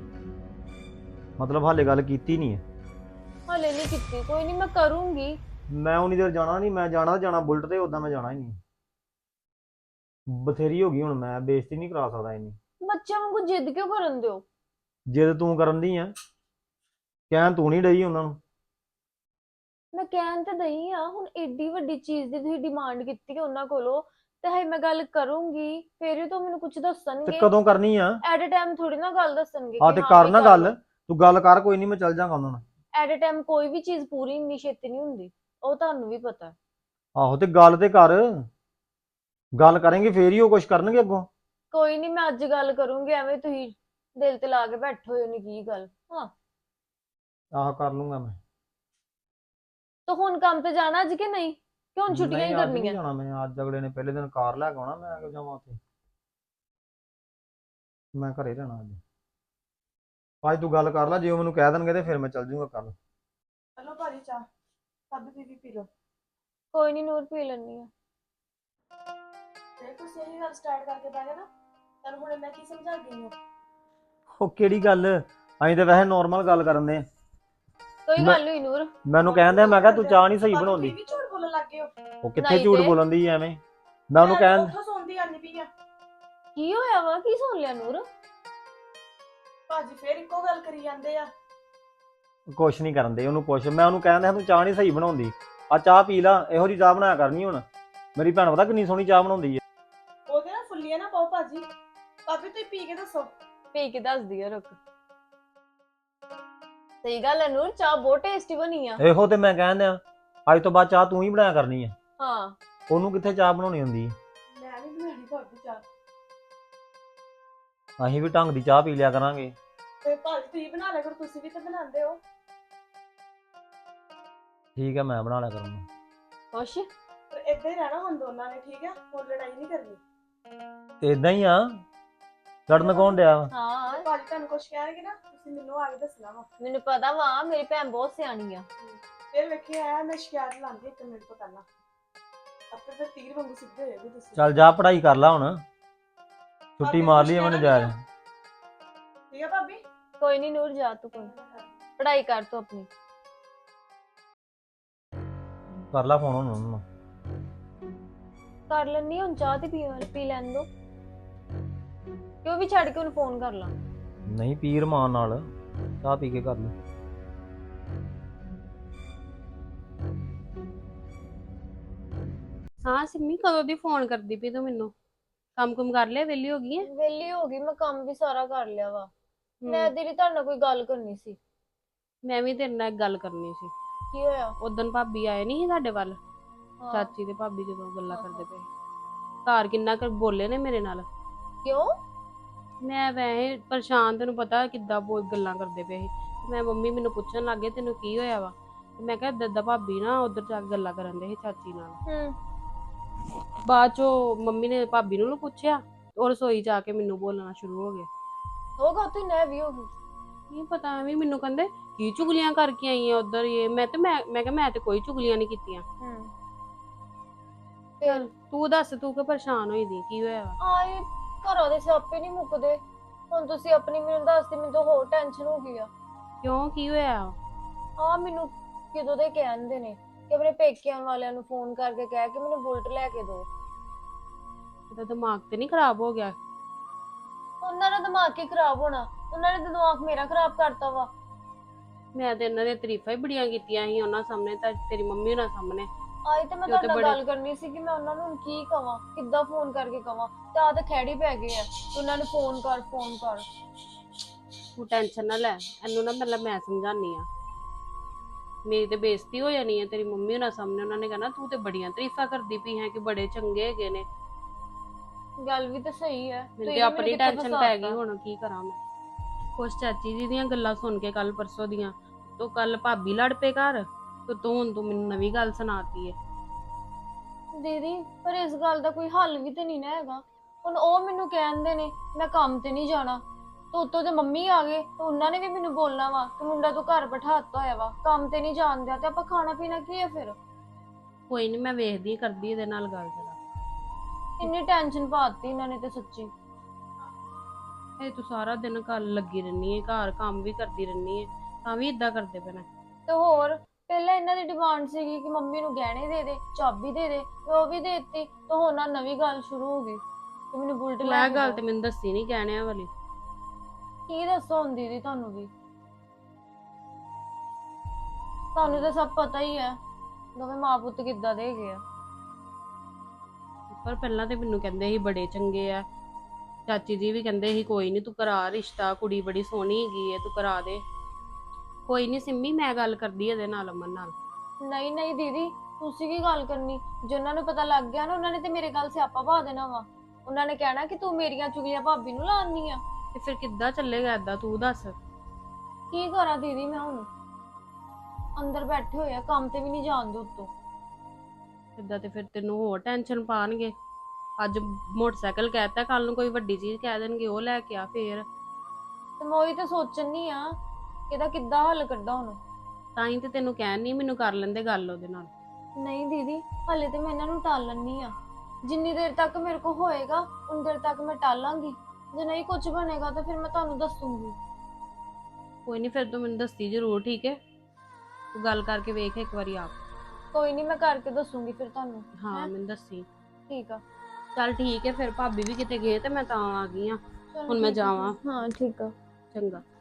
S6: ਮਤਲਬ ਹਾਲੇ ਗੱਲ ਕੀਤੀ ਨਹੀਂ ਹੈ?
S2: ਹਲੇ ਨਹੀਂ ਕੀਤੀ, ਕੋਈ ਨਹੀਂ ਮੈਂ ਕਰੂੰਗੀ।
S6: ਮੈਂ ਉਨੀ ਦੇਰ ਜਾਣਾ ਨਹੀਂ, ਮੈਂ ਜਾਣਾ ਤਾਂ ਜਾਣਾ ਬੁਲਟ ਤੇ, ਉਦਾਂ ਮੈਂ ਜਾਣਾ ਹੀ ਨਹੀਂ। ਬਥੇਰੀ ਹੋ ਗਈ ਹੁਣ, ਮੈਂ ਬੇਇੱਜ਼ਤੀ ਨਹੀਂ ਕਰਾ ਸਕਦਾ ਇੰਨੀ।
S2: ਬੱਚਿਆਂ ਵਾਂਗੂ ਜਿੱਦ ਕਿਉਂ ਕਰਨ ਦਿਓ?
S6: ਜਿੱਦ ਤੂੰ ਕਰਨ ਦੀ ਆ, ਕਹਿਣ ਤੂੰ ਨਹੀਂ ਡਈ ਉਹਨਾਂ ਨੂੰ।
S2: ਮੈਂ ਕਹਿਣ ਤੇ ਦਈ ਆ, ਹੁਣ ਏਡੀ ਵੱਡੀ ਚੀਜ਼ ਦੀ ਤੁਸੀਂ ਡਿਮਾਂਡ ਕੀਤੀ ਹੈ ਉਹਨਾਂ ਕੋਲੋਂ, ਤੇ ਹੈ ਮੈਂ ਗੱਲ ਕਰੂੰਗੀ ਫੇਰ ਹੀ ਤਾਂ ਮੈਨੂੰ ਕੁਝ
S6: ਤੇ
S2: ਦੱਸਣਗੇ।
S6: ਕਦੋਂ ਕਰਨੀ ਆ?
S2: ਐਟ ਅ ਟਾਈਮ ਥੋੜੀ ਨਾ ਗੱਲ ਦੱਸਣਗੇ
S6: ਆ
S2: ਕਿ
S6: ਤੇ
S2: ਹਾਂ
S6: ਕਰ
S2: ਵੀ
S6: ਨਾ
S2: ਕਰ
S6: ਗੱਲ,
S2: ਲਓ।
S6: ਤੂੰ ਗੱਲ ਕਰ, ਕੋਈ ਨਹੀਂ ਮੈਂ ਚੱਲ ਜਾਗਾ ਉਹਨਾਂ ਨਾਲ।
S2: ਐਟ ਅ ਟਾਈਮ ਕੋਈ ਵੀ ਚੀਜ਼ ਪੂਰੀ ਇੰਨੀ ਛੇਤੀ ਨਹੀਂ ਹੁੰਦੀ, ਉਹ ਤੁਹਾਨੂੰ ਵੀ ਪਤਾ ਹੈ।
S6: ਆਹੋ ਤੇ ਗੱਲ ਤੇ ਕਰ, ਗੱਲ ਕਰਾਂਗੇ ਫੇਰ ਹੀ ਉਹ ਕੁਝ ਕਰਨਗੇ ਅੱਗੋਂ।
S2: ਕੋਈ ਨਹੀਂ, ਮੈਂ ਅੱਜ ਗੱਲ ਕਰੂੰਗੀ, ਐਵੇਂ ਤੁਸੀਂ ਦਿਲ ਤੇ ਲਾ ਕੇ ਬੈਠੇ ਹੋਏ ਨੇ ਕੀ ਗੱਲ। ਹਾਂ
S6: ਆਹ ਕਰ ਲੂੰਗਾ ਮੈਂ।
S2: ਤਾਂ ਹੁਣ ਕੰਮ ਤੇ ਜਾਣਾ ਅੱਜ ਕਿ ਨਹੀਂ, ਕਿ ਹੁਣ ਛੁੱਟੀਆਂ ਹੀ
S6: ਨਹੀਂ ਅੱਜ ਨਹੀਂ
S2: ਕਰਨੀਆਂ?
S6: ਜਾਣਾ ਮੈਂ, ਅੱਜ ਅਗਲੇ ਨੇ ਪਹਿਲੇ ਦਿਨ ਕਾਰ ਲੈ ਕੇ ਆਉਣਾ, ਮੈਂ ਕਿਉਂ ਜਾਵਾਂ ਉੱਥੇ। ਮੈਂ ਘਰੇ ਰਹਿਣਾ ਅੱਜ। ਅੱਜ ਤੂੰ ਗੱਲ ਕਰ ਲੈ, ਜੇ ਉਹ ਮੈਨੂੰ ਕਹਿ ਦੇਣਗੇ ਤੇ ਫਿਰ ਮੈਂ ਚੱਲ ਜੂੰਗਾ ਕੱਲ।
S1: ਚਲੋ ਭਾਜੀ ਚਾਹ, ਸਭ ਦੀਦੀ ਪੀ ਲਓ।
S2: ਕੋਈ ਨਹੀਂ, ਨੂਰ ਪੀ ਲੈਣੀ ਆ।
S1: ਜੇ ਤੁਸੀਂ ਇਹੀ ਗੱਲ ਸਟਾਰਟ ਕਰਕੇ ਬਹਿ ਗਏ ਨਾ, ਤੁਹਾਨੂੰ ਹੁਣ ਮੈਂ ਕੀ ਸਮਝਾ ਗਈ ਹਾਂ?
S6: ਉਹ ਕਿਹੜੀ ਗੱਲ, ਅਸੀਂ ਤਾਂ ਵੈਸੇ ਨੋਰਮਲ ਗੱਲ ਕਰਨ ਦੇ।
S2: ਕੋਈ
S6: ਮੈਂ-
S2: ਗੱਲ ਨਹੀਂ ਨੂਰ।
S6: ਮੈਨੂੰ ਕਹਿੰਦੇ ਮੈਂ ਕਿਹਾ ਤੂੰ ਚਾਹ ਨਹੀਂ ਸਹੀ
S1: ਭਾਬੀ
S6: ਬਣਾਉਂਦੀ।
S1: ਤੁਸੀਂ ਵੀ ਝੂਠ ਬੋਲਣ ਲੱਗ ਗਏ ਹੋ।
S6: ਉਹ ਕਿੱਥੇ
S2: ਨਹੀਂ
S6: ਝੂਠ
S2: ਤੇ।
S6: ਬੋਲਣ ਦੀ ਐਵੇਂ, ਮੈਂ ਉਹਨੂੰ ਕਹਿਣ
S1: ਉੱਥੋਂ ਸੌਂਦੀ ਆਨੀ ਪਈ ਆ।
S2: ਕੀ ਹੋਇਆ ਵਾ, ਕੀ ਸੁਣ ਲਿਆ ਨੂਰ?
S1: ਭਾਜੀ ਫੇਰ ਇੱਕੋ ਗੱਲ ਕਰੀ ਜਾਂਦੇ ਆ।
S6: ਕੁਛ ਨਹੀਂ ਕਰਨ ਦੇ, ਉਹਨੂੰ ਪੁੱਛ। ਮੈਂ ਉਹਨੂੰ ਕਹਿੰਦਾ ਤੂੰ ਚਾਹ ਨਹੀਂ ਸਹੀ ਬਣਾਉਂਦੀ, ਆ ਚਾਹ ਪੀ ਲਾ, ਇਹੋ ਜੀ ਚਾਹ ਬਣਾਇਆ ਕਰਨੀ ਹੁਣ। ਮੇਰੀ ਭੈਣ ਪਤਾ ਕਿੰਨੀ ਸੋਹਣੀ ਚਾਹ ਬਣਾਉਂਦੀ ਹੈ।
S1: ਉਹਦੇ ਨਾਲ ਫੁੱਲੀਆਂ ਨਾ ਪਾਓ ਭਾਜੀ। ਭਾਬੀ ਤੁਸੀਂ ਪੀ ਕੇ ਦੱਸੋ।
S2: ਪੀ ਕੇ ਦੱਸਦੀ ਆ, ਰੁਕ। ਸਹੀ ਗੱਲ ਹੈ ਨੂਰ, ਚਾਹ ਬਹੁਤ ਟੇਸਟੀ ਬਣੀ ਆ।
S6: ਇਹੋ ਤੇ ਮੈਂ ਕਹਿੰਦਾ, ਅੱਜ ਤੋਂ ਬਾਅਦ ਚਾਹ ਤੂੰ ਹੀ ਬਣਾਇਆ ਕਰਨੀ ਹੈ।
S2: ਹਾਂ
S6: ਉਹਨੂੰ ਕਿੱਥੇ ਚਾਹ ਬਣਾਉਣੀ ਹੁੰਦੀ ਹੈ।
S1: ਮੈਂ ਨਹੀਂ ਬਣਾਉਣੀ ਭਾਬੀ ਚਾਹ।
S6: ਅਸੀਂ ਵੀ ਢੰਗ ਦੀ ਚਾਹ ਪੀ ਲਿਆ ਕਰਾਂਗੇ।
S1: ਤੇ ਭਾਜੀ ਤੁਸੀਂ ਬਣਾ ਲਿਆ ਕਰੋ, ਤੁਸੀਂ ਵੀ ਤਾਂ ਬਣਾਉਂਦੇ ਹੋ।
S6: ਠੀਕ ਹੈ, ਮੈਂ ਬਣਾ ਲਿਆ ਕਰੂੰਗਾ।
S2: ਖੁਸ਼?
S1: ਪਰ ਏਦਾਂ ਹੀ ਰਹਿਣਾ ਹੁਣ ਦੋਨਾਂ ਨੇ, ਠੀਕ ਹੈ? ਹੁਣ ਲੜਾਈ ਨਹੀਂ ਕਰਨੀ।
S6: ਇਦਾਂ ਹੀ ਆ, ਲੜਨ ਕੌਣ ਡਿਆ ਵਾ?
S2: ਹਾਂ
S1: ਤੇ ਭਾਜੀ ਤੁਹਾਨੂੰ ਕੁਝ ਕਹਿਣਗੇ ਨਾ, ਤੁਸੀਂ ਮੈਨੂੰ ਆ ਕੇ ਦੱਸਣਾ ਵਾ।
S2: ਮੈਨੂੰ ਪਤਾ ਵਾ, ਮੇਰੀ ਭੈਣ ਬਹੁਤ ਸਿਆਣੀ ਆ।
S1: ਫਿਰ ਵੇਖਿਆ ਆਇਆ ਮੈਂ ਸ਼ਿਕਾਇਤ ਲਾਉਂਦੀ ਇੱਕ ਮਿੰਟ ਤੋਂ ਪਹਿਲਾਂ, ਆਪੇ ਫਿਰ ਤੀਰ ਵਾਂਗੂ ਸਿੱਧੇ ਹੋਏਗੇ ਤੁਸੀਂ।
S6: ਚੱਲ ਜਾ ਪੜ੍ਹਾਈ ਕਰ ਲੈ ਹੁਣ, ਛੁੱਟੀ
S1: ਭਾਬੀ
S6: ਮਾਰ
S1: ਕੁਛ
S6: ਲਈ ਮੈਨੂੰ
S1: ਕਹਿਣਾ
S6: ਜਾ।
S1: ਨੀ ਠੀਕ ਹੈ ਭਾਬੀ?
S2: ਕੋਈ ਨਹੀਂ ਨੂਰ, ਜਾ ਤੂੰ, ਕੋਈ ਪੜ੍ਹਾਈ ਕਰ ਤੂੰ ਆਪਣੀ।
S6: ਕਰ ਲੈ ਫੋਨ ਹੁਣ ਉਹਨੂੰ।
S2: ਕਰ ਲੈਣੀ ਹੁਣ, ਚਾਹ ਤੇ ਪੀ ਪੀ ਲੈਣ ਦੋ। ਕਿਉਂ ਵੀ ਛੱਡ ਕੇ ਉਹਨੂੰ ਫੋਨ ਕਰ ਲਾਂ?
S6: ਨਹੀਂ ਪੀ ਰਮਾਨ ਨਾਲ, ਚਾਹ ਪੀ ਕੇ ਕਰ ਲੈ।
S5: ਹਾਂ ਸਿੰਮੀ, ਕਦੋਂ ਦੀ ਫੋਨ ਕਰਦੀ ਪਈ ਤੂੰ ਮੈਨੂੰ? ਕੰਮ ਕੁਮ ਕਰ ਲਿਆ, ਵਿਹਲੀ ਹੋ ਗਈ ਹੈ?
S2: ਵਿਹਲੀ ਹੋ ਗਈ, ਮੈਂ ਕੰਮ ਵੀ ਸਾਰਾ ਕਰ ਲਿਆ ਵਾ। ਮੈਂ
S5: ਹਮ,
S2: ਦੀਦੀ ਤੁਹਾਡੇ ਨਾਲ ਕੋਈ ਗੱਲ ਕਰਨੀ ਸੀ।
S5: ਮੈਂ ਵੀ ਤੇਰੇ ਨਾਲ ਇੱਕ ਗੱਲ ਕਰਨੀ ਸੀ।
S2: ਕੀ ਹੋਇਆ?
S5: ਉਦਣ ਭਾਬੀ ਆਏ ਨਹੀਂ ਸੀ ਸਾਡੇ ਵੱਲ,
S2: ਹਾਂ।
S5: ਚਾਚੀ ਤੇ ਭਾਬੀ ਜਦੋਂ ਗੱਲਾਂ
S2: ਹਾਂ,
S5: ਕਰਦੇ ਪਏ, ਘਰ ਕਿੰਨਾ ਕੁ ਬੋਲੇ ਨੇ ਮੇਰੇ ਨਾਲ।
S2: ਕਿਉਂ?
S5: ਮੈਂ ਵੈਸੇ ਪਰੇਸ਼ਾਨ, ਤੈਨੂੰ ਪਤਾ ਕਿੱਦਾਂ ਬੋਲ ਗੱਲਾਂ ਕਰਦੇ ਪਏ ਸੀ। ਮੈਂ ਮੰਮੀ ਮੈਨੂੰ ਪੁੱਛਣ ਲੱਗ ਗਏ ਤੈਨੂੰ ਕੀ ਹੋਇਆ ਵਾ, ਤੇ ਮੈਂ ਕਿਹਾ ਦਾਦਾ ਭਾਬੀ ਨਾ ਉਧਰ ਜਾ ਕੇ ਗੱਲਾਂ ਕਰਨ ਦੇ ਸੀ ਚਾਚੀ ਨਾਲ।
S2: ਹੂੰ।
S5: ਬਾਅਦ ਚੋਂ ਮੰਮੀ ਨੇ ਭਾਬੀ ਨੂੰ ਪੁੱਛਿਆ, ਉਹ ਰਸੋਈ ਜਾ ਕੇ ਮੈਨੂੰ ਬੋਲਣਾ ਸ਼ੁਰੂ ਹੋ ਗਿਆ।
S2: ਹੋਗਾ ਤੂੰ ਨਾ ਵੀ ਹੋ ਗਈ।
S5: ਨਹੀਂ ਪਤਾ ਐਵੇਂ ਮੈਨੂੰ ਕਹਿੰਦੇ ਕੀ ਚੁਗਲੀਆਂ ਕਰਕੇ ਆਈ ਆ ਉਧਰ ਇਹ ਮੈਂ ਤੇ ਮੈਂ ਮੈਂ ਕਿਹਾ ਮੈਂ ਤੇ ਕੋਈ ਚੁਗਲੀਆਂ ਨਹੀਂ ਕੀਤੀਆਂ।
S2: ਹੂੰ
S5: ਚੱਲ ਤੂੰ ਦੱਸ ਤੂੰ ਕਿ ਪਰੇਸ਼ਾਨ ਹੋਈ ਦੀ ਕੀ ਹੋਇਆ ਵਾ?
S2: ਆਏ ਘਰੋਂ ਦੇ ਸਿਆਪੇ ਨਹੀਂ ਮੁੱਕਦੇ। ਹੁਣ ਤੁਸੀਂ ਆਪਣੀ ਮੈਨੂੰ ਦੱਸਦੇ, ਮੈਨੂੰ ਤਾਂ ਹੋਰ ਟੈਨਸ਼ਨ ਹੋ ਗਈ ਆ।
S5: ਕਿਉਂ ਕੀ ਹੋਇਆ?
S2: ਆ ਮੈਨੂੰ ਕਿਦੋਂ ਦੇ ਕਹਿੰਦੇ ਨੇ ਕਿ ਆਪਣੇ ਪੇਕਿਆਂ ਵਾਲਿਆਂ ਨੂੰ ਫੋਨ ਕਰਕੇ ਕਹਿ ਕੇ ਮੈਨੂੰ ਬੁਲਟ ਲੈ ਕੇ ਦਿਓ।
S5: ਇਹਦਾ ਦਿਮਾਗ ਤੇ ਨਹੀਂ ਖਰਾਬ ਹੋ ਗਿਆ?
S2: ਉਹਨਾਂ ਦਾ ਦਿਮਾਗ ਹੀ ਖਰਾਬ ਹੋਣਾ, ਉਹਨਾਂ ਨੇ ਤਾਂ ਦਿਮਾਗ ਮੇਰਾ ਖਰਾਬ ਕਰਤਾ ਵਾ।
S5: ਮੈਂ ਤੇ ਇਹਨਾਂ ਦੀਆਂ ਤਾਰੀਫਾਂ ਹੀ ਬੜੀਆਂ ਕੀਤੀਆਂ ਸੀ ਉਹਨਾਂ ਸਾਹਮਣੇ, ਤਾਂ ਤੇਰੀ ਮੰਮੀ ਉਹਨਾਂ ਸਾਹਮਣੇ।
S2: ਆਈ ਤੇ ਮੈਂ
S5: ਤੇ ਉਹ ਤੇ
S2: ਤੁਹਾਡੇ ਨਾਲ
S5: ਬੜੇ-
S2: ਗੱਲ ਕਰਨੀ ਸੀ ਕਿ ਮੈਂ ਉਹਨਾਂ ਨੂੰ ਹੁਣ ਕੀ ਕਵਾਂ, ਕਿੱਦਾਂ ਫੋਨ ਕਰਕੇ ਕਵਾਂ। ਤੇ ਆ ਤਾਂ ਖੈੜੀ ਪੈ ਗਏ ਆ ਕਿ ਉਹਨਾਂ ਨੂੰ ਫੋਨ ਕਰ ਫੋਨ ਕਰ।
S5: ਤੂੰ ਟੈਨਸ਼ਨ ਨਾ ਲੈ, ਇਹਨੂੰ ਨਾ ਮਤਲਬ ਮੈਂ ਸਮਝਾਨੀ ਆ। ਮੇਰੀ ਤੇ ਬੇਇੱਜ਼ਤੀ ਹੋ ਜਾਣੀ ਹੈ ਤੇਰੀ ਮੰਮੀ ਉਹਨਾਂ ਸਾਹਮਣੇ। ਉਹਨਾਂ ਨੇ ਕਹਿਣਾ ਤੂੰ ਤੇ ਬੜੀਆਂ ਤਾਰੀਫਾਂ ਕਰਦੀ ਪਈ ਹੈ ਕਿ ਬੜੇ ਚੰਗੇ ਹੈਗੇ ਨੇ।
S2: ਗੱਲ ਵੀ ਤਾਂ ਸਹੀ ਹੈ।
S5: ਮੈਨੂੰ
S2: ਤੁਸੀਂ
S5: ਤੇ ਆਪਣੀ
S2: ਕਿੱਥੇ
S5: ਟੈਨਸ਼ਨ ਪੈ ਗਈ,
S2: ਫਸਾਤਾ।
S5: ਹੁਣ ਕੀ ਕਰਾਂ ਮੈਂ। ਕੁਛ ਚਾਚੀ ਜੀ ਦੀਆਂ ਗੱਲਾਂ ਸੁਣ ਕੇ ਕੱਲ ਪਰਸੋਂ ਦੀਆਂ, ਤੂੰ ਕੱਲ ਭਾਬੀ ਲੜ ਪਏ ਘਰ, ਤੇ ਤੂੰ ਹੁਣ ਤੂੰ ਮੈਨੂੰ ਨਵੀਂ ਗੱਲ ਸੁਣਾਤੀ ਹੈ।
S2: ਦੀਦੀ ਪਰ ਇਸ ਗੱਲ ਦਾ ਕੋਈ ਹੱਲ ਵੀ ਤੇ ਨਹੀਂ ਨਾ ਹੈਗਾ। ਹੁਣ ਉਹ ਮੈਨੂੰ ਕਹਿੰਦੇ ਨੇ ਮੈਂ ਕੰਮ ਤੇ ਨਹੀਂ ਜਾਣਾ, ਤੇ ਉੱਤੋਂ ਤੇ ਮੰਮੀ ਆ ਗਏ ਤੇ ਉਹਨਾਂ ਨੇ ਵੀ ਮੈਨੂੰ ਬੋਲਣਾ ਵਾ ਕਿ ਮੁੰਡਾ ਤੂੰ ਘਰ ਬਿਠਾਤਾ ਹੋਇਆ ਵਾ, ਕੰਮ ਤੇ ਨਹੀਂ ਜਾਣ ਦਿਆ, ਤੇ ਆਪਾਂ ਖਾਣਾ ਪੀਣਾ ਕੀ ਹੈ ਫਿਰ।
S5: ਕੋਈ ਨਹੀਂ ਮੈਂ ਵੇਖਦੀ ਕਰਦੀ ਇਹਦੇ ਨਾਲ ਗੱਲ ਜਰਾ।
S2: ਇੰਨੀ ਟੈਨਸ਼ਨ ਪਾਤੀ ਇਹਨਾਂ ਨੇ ਤੇ ਸੱਚੀ।
S5: ਇਹ ਤੂੰ ਸਾਰਾ ਦਿਨ ਘਰ ਲੱਗੀ ਰਹਿਨੀ ਹੈ, ਘਰ ਕੰਮ ਵੀ ਕਰਦੀ ਰਹਿਨੀ ਹੈ, ਤਾਂ ਵੀ ਇਦਾਂ ਕਰਦੇ ਪਏ ਨੇ।
S2: ਤੇ ਹੋਰ ਪਹਿਲਾਂ ਇਹਨਾਂ ਦੀ ਡਿਮਾਂਡ ਸੀਗੀ ਕਿ ਮੰਮੀ ਨੂੰ ਗਹਿਣੇ ਦੇ ਦੇ, ਚਾਬੀ ਦੇ ਦੇ, ਤੇ ਉਹ ਵੀ ਦੇ ਦਿੱਤੀ। ਤੇ ਹੁਣ ਆਹ ਨਵੀਂ ਗੱਲ ਸ਼ੁਰੂ ਹੋ ਗਈ ਕਿ ਮੈਨੂੰ ਬੁਲਟ
S5: ਤੂੰ
S2: ਲੈ
S5: ਇਹ
S2: ਕੇ
S5: ਗੱਲ
S2: ਦਿਓ।
S5: ਤੇ ਮੈਨੂੰ ਦੱਸੀ ਨਹੀਂ ਕਹਿਣਿਆਂ ਵਾਲੀ।
S2: ਕੀ ਦੱਸੋ ਹੁਣ ਦੀਦੀ ਤੁਹਾਨੂੰ ਵੀ, ਤੁਹਾਨੂੰ ਤਾਂ ਸਭ ਪਤਾ ਹੀ ਹੈ ਦੋਵੇਂ ਮਾਂ ਪੁੱਤ ਕਿੱਦਾਂ ਦੇ ਹੈਗੇ ਆ।
S5: ਪਰ ਪਹਿਲਾਂ ਤੇ ਮੈਨੂੰ ਕਹਿੰਦੇ ਸੀ ਬੜੇ ਚੰਗੇ ਆ, ਚਾਚੀ ਜੀ ਵੀ ਕਹਿੰਦੇ ਸੀ ਕੋਈ ਨਹੀਂ ਤੂੰ ਕਰਾ ਰਿਸ਼ਤਾ, ਕੁੜੀ ਬੜੀ ਸੋਹਣੀ ਹੈਗੀ ਹੈ ਤੂੰ ਕਰਾ ਦੇ। ਕੋਈ ਨਹੀਂ ਸਿੰਮੀ, ਮੈਂ ਗੱਲ ਕਰਦੀ ਇਹਦੇ ਨਾਲ, ਅਮਨ ਨਾਲ।
S2: ਨਹੀਂ ਨਹੀਂ ਦੀਦੀ ਤੁਸੀਂ ਕੀ ਗੱਲ ਕਰਨੀ, ਜੇ ਉਹਨਾਂ ਨੂੰ ਪਤਾ ਲੱਗ ਗਿਆ ਨਾ ਉਹਨਾਂ ਨੇ ਤੇ ਮੇਰੇ ਗੱਲ ਸਿਆਪਾ ਪਾ ਦੇਣਾ ਵਾ। ਉਹਨਾਂ ਨੇ ਕਹਿਣਾ ਕਿ ਤੂੰ ਮੇਰੀਆਂ ਚੁਗਲੀਆਂ ਭਾਬੀ ਨੂੰ ਲਾਉਣੀ ਆ।
S5: ਤੇ ਫਿਰ ਕਿੱਦਾਂ ਚੱਲੇਗਾ ਏਦਾਂ, ਤੂੰ ਦੱਸ।
S2: ਕੀ ਕਰਾਂ ਦੀਦੀ ਮੈਂ ਹੁਣ, ਅੰਦਰ ਬੈਠੇ ਹੋਏ ਆ, ਕੰਮ ਤੇ ਵੀ ਨਹੀਂ ਜਾਣ ਦੇ ਉੱਤੋਂ।
S5: ਏਦਾਂ ਤੇ ਫਿਰ ਤੈਨੂੰ ਹੋਰ ਟੈਨਸ਼ਨ ਪਾਣਗੇ। ਅੱਜ ਮੋਟਰਸਾਈਕਲ ਕਹਿਤਾ, ਕੱਲ ਨੂੰ ਕੋਈ ਵੱਡੀ ਚੀਜ਼ ਕਹਿ ਦੇਣਗੇ ਉਹ ਲੈ ਕੇ ਆ ਫੇਰ।
S2: ਤੇ ਮੈਂ ਉਹੀ ਤਾਂ ਸੋਚਣ ਨਹੀਂ ਆ ਕਿ ਇਹਦਾ ਕਿੱਦਾਂ ਹੱਲ ਕੱਢਾਂ ਹੁਣ।
S5: ਤਾਂ ਹੀ ਤੇ ਤੈਨੂੰ ਕਹਿਣ ਨਹੀਂ, ਮੈਨੂੰ ਕਰ ਲੈਂਦੇ ਗੱਲ ਉਹਦੇ ਨਾਲ।
S2: ਨਹੀਂ ਦੀਦੀ ਹਲੇ ਤੇ ਮੈਂ ਇਹਨਾਂ ਨੂੰ ਟਾਲਣ ਨਹੀਂ ਆ। ਜਿੰਨੀ ਦੇਰ ਤੱਕ ਮੇਰੇ ਕੋਲ ਹੋਏਗਾ ਉਨੀ ਦੇਰ ਤੱਕ ਮੈਂ ਟਾਲਾਂਗੀ। ਜੇ ਨਹੀਂ ਕੁਝ ਬਣੇਗਾ ਤਾਂ ਫਿਰ ਮੈਂ ਤੁਹਾਨੂੰ ਦੱਸੂਗੀ।
S5: ਕੋਈ ਨਹੀਂ, ਫਿਰ ਤੂੰ ਮੈਨੂੰ ਦੱਸੀ ਜ਼ਰੂਰ, ਠੀਕ ਹੈ? ਤੂੰ ਗੱਲ ਕਰਕੇ ਵੇਖ ਇੱਕ ਵਾਰੀ ਆਪ।
S2: ਕੋਈ ਨਹੀਂ ਮੈਂ ਕਰਕੇ ਦੱਸੂਗੀ ਫਿਰ ਤੁਹਾਨੂੰ।
S5: ਹਾਂ
S2: ਹੈਂ?
S5: ਮੈਨੂੰ ਦੱਸੀ।
S2: ਠੀਕ ਆ।
S5: ਚੱਲ ਠੀਕ ਹੈ ਫਿਰ, ਭਾਬੀ ਵੀ ਕਿਤੇ ਗਏ ਤੇ ਮੈਂ ਤਾਂ ਆ ਗਈ ਆ।
S2: ਚਲੋ
S5: ਹੁਣ ਮੈਂ
S2: ਠੀਕ ਆ ਫਿਰ।
S5: ਜਾਵਾਂ।
S2: ਹਾਂ ਠੀਕ ਆ।
S5: ਚੰਗਾ।